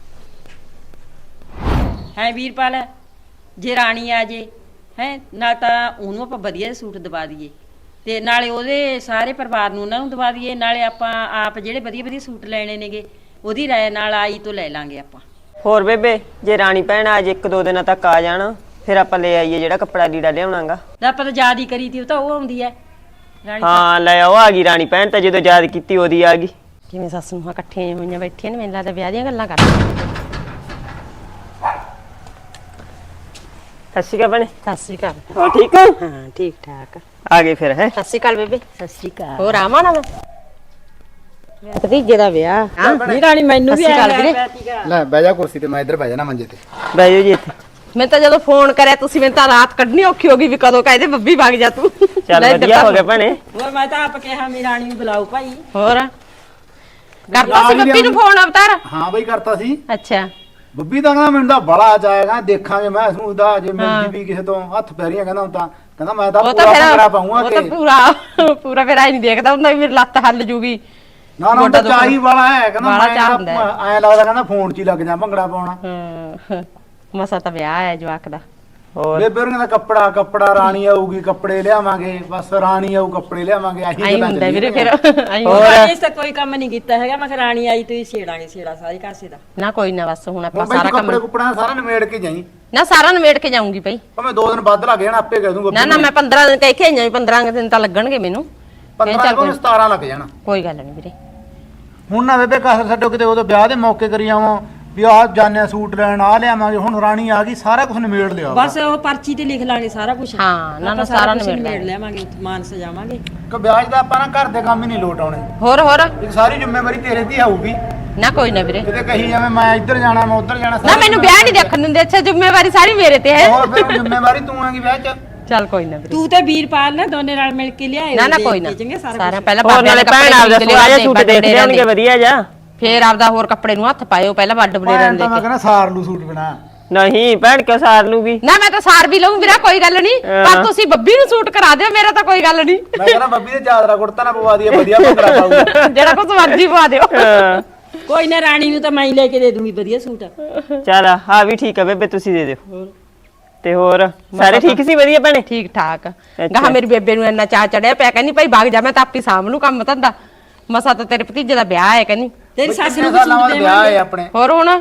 [SPEAKER 8] ਹੈ ਵੀਰਪਾਲ, ਜੇ ਰਾਣੀ ਆ ਜੇ ਹੈ ਨਾ ਤਾਂ ਉਹਨੂੰ ਆਪਾਂ ਵਧੀਆ ਸੂਟ ਦਵਾ ਦਈਏ, ਤੇ ਨਾਲੇ ਉਹਦੇ ਸਾਰੇ ਪਰਿਵਾਰ ਨੂੰ ਉਹਨਾਂ ਨੂੰ ਦਵਾ ਦਈਏ, ਨਾਲੇ ਆਪਾਂ ਆਪ ਜਿਹੜੇ ਵਧੀਆ ਵਧੀਆ ਸੂਟ ਲੈਣੇ ਨੇਗੇ ਉਹਦੀ ਰਾਏ ਨਾਲ ਆਈ ਤੋਂ ਲੈ ਲਾਂਗੇ ਆਪਾਂ।
[SPEAKER 2] ਹੋਰ ਬੇਬੇ ਜੇ ਰਾਣੀ ਭੈਣ ਅੱਜ ਇੱਕ ਦੋ ਦਿਨਾਂ ਤੱਕ ਆ ਜਾਣ ਫਿਰ ਆਪਾਂ ਲੈ ਆਈਏ ਜਿਹੜਾ ਕੱਪੜਾ ਲੀੜਾ ਲਿਆਉਣਾਗਾ।
[SPEAKER 8] ਤਾਂ ਆਪਾਂ ਤਾਂ ਯਾਦ ਹੀ ਕਰੀ ਤੀ, ਉਹ ਤਾਂ ਉਹ ਆਉਂਦੀ ਹੈ ਰਾਣੀ।
[SPEAKER 2] ਹਾਂ ਲੈ ਆਓ, ਆ ਗਈ ਰਾਣੀ ਭੈਣ ਤਾਂ ਜਦੋਂ ਯਾਦ ਕੀਤੀ ਉਹਦੀ ਆ ਗਈ।
[SPEAKER 4] ਕਿਵੇਂ ਸੱਸ ਨੂੰ ਇਕੱਠੀਆਂ ਹੋਈਆਂ ਬੈਠੀਆਂ ਨੇ, ਮੈਨੂੰ ਲੱਗਦਾ ਵਿਆਹ ਦੀਆਂ ਗੱਲਾਂ ਕਰਦੀਆਂ।
[SPEAKER 2] ਸਤਿ ਸ਼੍ਰੀ ਅਕਾਲ ਭੈਣੇ।
[SPEAKER 4] ਸਤਿ ਸ਼੍ਰੀ ਅਕਾਲ।
[SPEAKER 2] ਹੋਰ ਠੀਕ ਹੋ?
[SPEAKER 4] ਹਾਂ ਠੀਕ ਠਾਕ।
[SPEAKER 2] ਆ ਗਏ ਫਿਰ ਹੈ।
[SPEAKER 4] ਸਤਿ ਸ਼੍ਰੀ ਅਕਾਲ ਬੇਬੇ।
[SPEAKER 8] ਸਤਿ ਸ਼੍ਰੀ ਅਕਾਲ।
[SPEAKER 4] ਹੋਰ ਆਵਾਂ ਨਾ ਮੈਂ ਭਤੀਜੇ ਦਾ ਵਿਆਹ। ਹਾਂ
[SPEAKER 8] ਨਹੀਂ ਰਾਣੀ ਮੈਨੂੰ ਵੀ
[SPEAKER 4] ਸਤਿ ਸ਼੍ਰੀ ਅਕਾਲ
[SPEAKER 8] ਆਇਆ
[SPEAKER 4] ਵੀਰੇ।
[SPEAKER 3] ਲੈ ਬਹਿ ਜਾ ਕੁਰਸੀ ਤੇ, ਮੈਂ ਇੱਧਰ ਬਹਿ ਜਾਣਾ ਮੰਜੇ ਤੇ।
[SPEAKER 2] ਬਹਿ ਜਾਓ ਜੀ ਇੱਥੇ।
[SPEAKER 4] ਮੈਂ ਤਾਂ ਜਦੋਂ ਫੋਨ ਕਰਿਆ ਤੁਸੀਂ, ਮੈਨੂੰ ਤਾਂ ਰਾਤ ਕੱਢਣੀ ਔਖੀ ਹੋ ਗਈ ਵੀ ਕਦੋਂ ਕਹਿੰਦੇ ਬੱਬੀ ਵਗ ਜਾ ਤੂੰ।
[SPEAKER 2] ਚੱਲ
[SPEAKER 4] ਲੈ
[SPEAKER 2] ਵਧੀਆ ਹੋ ਗਿਆ ਭੈਣੇ।
[SPEAKER 8] ਹੋਰ ਮੈਂ ਤਾਂ ਆਪ ਕਿਹਾ ਮੇਰੀ ਰਾਣੀ ਨੂੰ ਬੁਲਾਓ ਭਾਈ।
[SPEAKER 4] ਹੋਰ ਕਰਤਾ ਸੀ ਬੱਬੀ ਨੂੰ ਫੋਨ ਅਵਤਾਰ?
[SPEAKER 3] ਹਾਂ ਬਈ ਕਰਤਾ ਸੀ।
[SPEAKER 4] ਅੱਛਾ
[SPEAKER 3] ਬੱਬੀ ਤਾਂ ਕਹਿੰਦਾ ਮੈਨੂੰ ਤਾਂ ਬੜਾ ਜਾਏਗਾ, ਦੇਖਾਂਗੇ ਮੈਂ ਇਸ ਦਾ ਜੇ ਮਿਲਦੀ ਵੀ ਕਿਸੇ ਤੋਂ ਹੱਥ ਪੈਰੀਆਂ ਕਹਿੰਦਾ ਹੁਣ ਤਾਂ ਕਹਿੰਦਾ ਮੈਂ ਤਾਂ
[SPEAKER 4] ਉਹ ਤਾਂ
[SPEAKER 3] ਪੂਰਾ
[SPEAKER 4] ਫਿਰ
[SPEAKER 3] ਭੰਗੜਾ ਪਾਉਂਗਾ
[SPEAKER 4] ਉਹ ਤਾਂ
[SPEAKER 3] ਕਿ
[SPEAKER 4] ਪੂਰਾ ਪੂਰਾ ਫਿਰ ਆਈ ਨਹੀਂ ਦੇਖਦਾ ਹੁੰਦਾ ਵੀ ਮੇਰੀ ਲੱਤ ਹੱਲ ਜੂਗੀ।
[SPEAKER 3] ਨਾ ਨਾ ਉਹ ਤਾਂ ਚਾਹੀ ਵਾਲਾ ਹੈ, ਕਹਿੰਦਾ
[SPEAKER 4] ਵਾਲਾ
[SPEAKER 3] ਮੈਂ
[SPEAKER 4] ਚਾਹ ਹੁੰਦਾ ਹੈ।
[SPEAKER 3] ਐਂ ਲੱਗਦਾ ਕਹਿੰਦਾ ਫੋਨ 'ਚ ਹੀ ਲੱਗ ਜਾ ਭੰਗੜਾ ਪਾਉਣਾ।
[SPEAKER 4] ਹਾਂ ਮਸਾ ਤਾਂ ਵਿਆਹ ਹੈ ਜਵਾਕ ਦਾ।
[SPEAKER 2] ਹੋਰ
[SPEAKER 3] ਬੇਬੇ ਉਹਨਾਂ ਦਾ ਕੱਪੜਾ ਕੱਪੜਾ ਰਾਣੀ ਆਊਗੀ ਕੱਪੜੇ ਲਿਆਵਾਂਗੇ, ਬਸ ਰਾਣੀ ਆਊ ਕੱਪੜੇ ਲਿਆਵਾਂਗੇ, ਆਹੀ
[SPEAKER 4] ਆਈ
[SPEAKER 3] ਗੱਲਾਂ
[SPEAKER 4] ਹੁੰਦਾ ਵੀਰੇ ਫਿਰ ਆਈ
[SPEAKER 8] ਹੋਰ ਇਸ ਤਾਂ ਕੋਈ ਕੰਮ ਨਹੀਂ ਕੀਤਾ ਹੈਗਾ। ਮੈਂ ਕਿਹਾ ਰਾਣੀ ਆਈ ਤੂੰ ਹੀ ਛੇੜਾਂਗੇ ਛੇੜਾ ਸਾਰੇ ਕਾਸੇ ਦਾ।
[SPEAKER 4] ਨਾ ਕੋਈ ਨਾ ਬਸ ਹੁਣ ਆਪਾਂ
[SPEAKER 3] ਹੁਣ ਬਈ
[SPEAKER 4] ਸਾਰਾ
[SPEAKER 3] ਤੂੰ ਕੱਪੜੇ
[SPEAKER 4] ਕੰਮ
[SPEAKER 3] ਕੁਪੜਾ ਸਾਰਾ ਨਿਮੇੜ ਕੇ ਜਾਈ।
[SPEAKER 4] ਨਾ ਸਾਰਾ ਨਿਬੇੜ ਕੇ ਜਾਊਂਗੀ ਬਈ।
[SPEAKER 3] ਭਾਵੇਂ ਦੋ ਦਿਨ ਵੱਧ ਲੱਗ ਜਾਣ, ਆਪੇ ਕਹਿ ਦੂੰ
[SPEAKER 4] ਨਾ ਨਾ ਮੈਂ ਪੰਦਰਾਂ ਦਿਨ ਕਹਿ ਕੇ ਆਈਆਂ ਵੀ ਪੰਦਰਾਂ ਦਿਨ ਤਾਂ ਲੱਗਣਗੇ ਮੈਨੂੰ।
[SPEAKER 3] ਪੰਦਰਾਂ ਤੋਂ ਸਤਾਰਾਂ ਲੱਗ ਜਾਣਾ।
[SPEAKER 4] ਕੋਈ ਗੱਲ ਨਹੀਂ ਵੀਰੇ।
[SPEAKER 3] ਹੁਣ ਨਾ ਬੇਬੇ ਕਸਰ ਛੱਡੋ, ਕਿਤੇ ਉਦੋਂ ਵਿਆਹ ਦੇ ਮੌਕੇ ਕਰੀ ਆਵਾਂ ਵੀ ਆਹ ਜਾਣਿਆ ਸੂਟ ਲੈਣ ਆ ਲਿਆਵਾਂਗੇ। ਹੁਣ ਰਾਣੀ ਆ ਗਈ, ਸਾਰਾ ਕੁਝ ਨਿਮੇੜ ਲਿਆ।
[SPEAKER 8] ਬਸ ਉਹ ਪਰਚੀ ਤੇ ਲਿਖ ਲਾਂਗੇ ਸਾਰਾ ਕੁਝ।
[SPEAKER 4] ਹਾਂ ਨਾ ਨਾ
[SPEAKER 8] ਆਪਾਂ
[SPEAKER 4] ਸਾਰਾ
[SPEAKER 8] ਕੁਛ
[SPEAKER 4] ਨਿਬੇੜ
[SPEAKER 8] ਨਿਬੇੜ ਲਿਆਵਾਂਗੇ, ਉੱਥੇ ਮਾਨ ਸਜਾਵਾਂਗੇ।
[SPEAKER 3] ਕਿ ਵਿਆਹ ਦਾ ਆਪਾਂ ਨਾ ਘਰ ਦੇ ਕੰਮ ਹੀ ਨਹੀਂ ਲੋਟ ਆਉਣੇ।
[SPEAKER 4] ਹੋਰ ਹੋਰ
[SPEAKER 3] ਇੱਕ ਸਾਰੀ ਜ਼ਿੰਮੇਵਾਰੀ ਤੇਰੇ ਤੇ ਆਊਗੀ।
[SPEAKER 4] ਨਾ ਕੋਈ ਨਾ ਵੀਰੇ।
[SPEAKER 3] ਕਿਤੇ ਕਹੀ ਜਾਵੇਂ ਮੈਂ ਇੱਧਰ ਜਾਣਾ ਮੈਂ ਉੱਧਰ ਜਾਣਾ।
[SPEAKER 4] ਨਾ ਮੈਨੂੰ ਵਿਆਹ ਨਹੀਂ ਦੇਖਣ ਦਿੰਦੇ। ਅੱਛਾ ਜ਼ਿੰਮੇਵਾਰੀ ਸਾਰੀ ਮੇਰੇ ਤੇ ਹੈ।
[SPEAKER 3] ਹੋਰ ਫਿਰ ਜ਼ਿੰਮੇਵਾਰੀ ਤੂੰ ਆਂਗੀ ਵਿਆਹ 'ਚ।
[SPEAKER 4] ਚੱਲ ਕੋਈ ਨਾ ਵੀਰੇ।
[SPEAKER 8] ਤੂੰ ਤੇ ਵੀਰਪਾਲ ਨਾ ਦੋਨੇ ਨਾਲ ਮਿਲ ਕੇ ਲਿਆਏ।
[SPEAKER 4] ਨਾ ਨਾ ਕੋਈ ਨਾ ਸਾਰਾ ਪਹਿਲਾਂ
[SPEAKER 2] ਹੋਰ ਨਾਲੇ ਭੈਣ ਆਪਦਾ ਸੋਹਣਾ ਜਿਹਾ ਸੂਟ ਦੇਖ ਲਿਆਉਣਗੇ ਵਧੀਆ ਜਾ।
[SPEAKER 4] ਫੇਰ ਆਪਦਾ ਹੋਰ ਕੱਪੜੇ ਨੂੰ ਹੱਥ ਪਾਇਓ ਪਹਿਲਾਂ ਵੱਡ ਬਲੇਰਾਂ
[SPEAKER 3] ਤਾਂ
[SPEAKER 4] ਲੈ
[SPEAKER 3] ਮੈਂ
[SPEAKER 4] ਕੇ।
[SPEAKER 3] ਕਹਿੰਦਾ ਸਾਰ ਲੂ ਸੂਟ ਬਣਾ।
[SPEAKER 2] ਨਹੀਂ ਭੈਣ ਕਿਉਂ ਸਾਰ ਲੂਗੀ
[SPEAKER 4] ਨਾ ਮੈਂ ਤਾਂ ਸਾਰ ਵੀ ਲਊਂ ਵੀਰਾ, ਕੋਈ ਗੱਲ ਨਹੀਂ, ਪਰ ਤੁਸੀਂ ਬੱਬੀ ਨੂੰ ਸੂਟ ਕਰਾ ਦਿਓ, ਮੇਰਾ ਤਾਂ ਕੋਈ ਗੱਲ ਨਹੀਂ।
[SPEAKER 3] ਮੈਂ ਕਹਿੰਦਾ ਬੱਬੀ ਦੇ ਚਾਦਰਾ ਕੁੜਤਾ ਨਾ ਪਵਾ ਦਈਏ, ਵਧੀਆ ਭੰਗੜਾ ਪਾਊਗਾ।
[SPEAKER 4] ਜਿਹੜਾ ਕੁਝ ਮਰਜ਼ੀ ਪਵਾ ਦਿਓ।
[SPEAKER 8] ਕੋਈ ਨਾ ਰਾਣੀ ਨੂੰ ਤਾਂ ਮੈਂ ਹੀ ਲੈ ਕੇ ਦੇ ਦੂੰਗੀ ਵਧੀਆ ਸੂਟ।
[SPEAKER 2] ਚੱਲ ਹਾਂ ਵੀ ਠੀਕ ਆ ਬੇਬੇ, ਤੁਸੀਂ ਦੇ ਦਿਓ। ਤੇ ਹੋਰ ਸਾਰੇ ਠੀਕ ਸੀ? ਵਧੀਆ ਭੈਣੇ
[SPEAKER 4] ਠੀਕ ਠਾਕ। ਗਾਹ ਮੇਰੀ ਬੇਬੇ ਨੂੰ ਇੰਨਾ ਚਾਹ ਚੜਿਆ ਪਿਆ, ਕਹਿੰਦੀ ਭਾਈ ਭਾਗ ਜਾ, ਮੈਂ ਤਾਂ ਆਪੀ ਸਾਂਭ ਲੂ ਕੰਮ ਧੰਦਾ, ਮਸਾ ਤਾਂ ਤੇਰੇ ਭਤੀਜੇ ਦਾ ਵਿਆਹ ਹੈ, ਕਹਿੰਦੀ
[SPEAKER 8] ਤੇਰੀ ਸੱਸ ਨੂੰ ਵੀ ਸੂਟ
[SPEAKER 3] ਵਿਆਹ ਹੈ
[SPEAKER 8] ਦੇਵਾਂਗੇ,
[SPEAKER 3] ਆਪਣੇ।
[SPEAKER 4] ਹੋਰ ਹੁਣ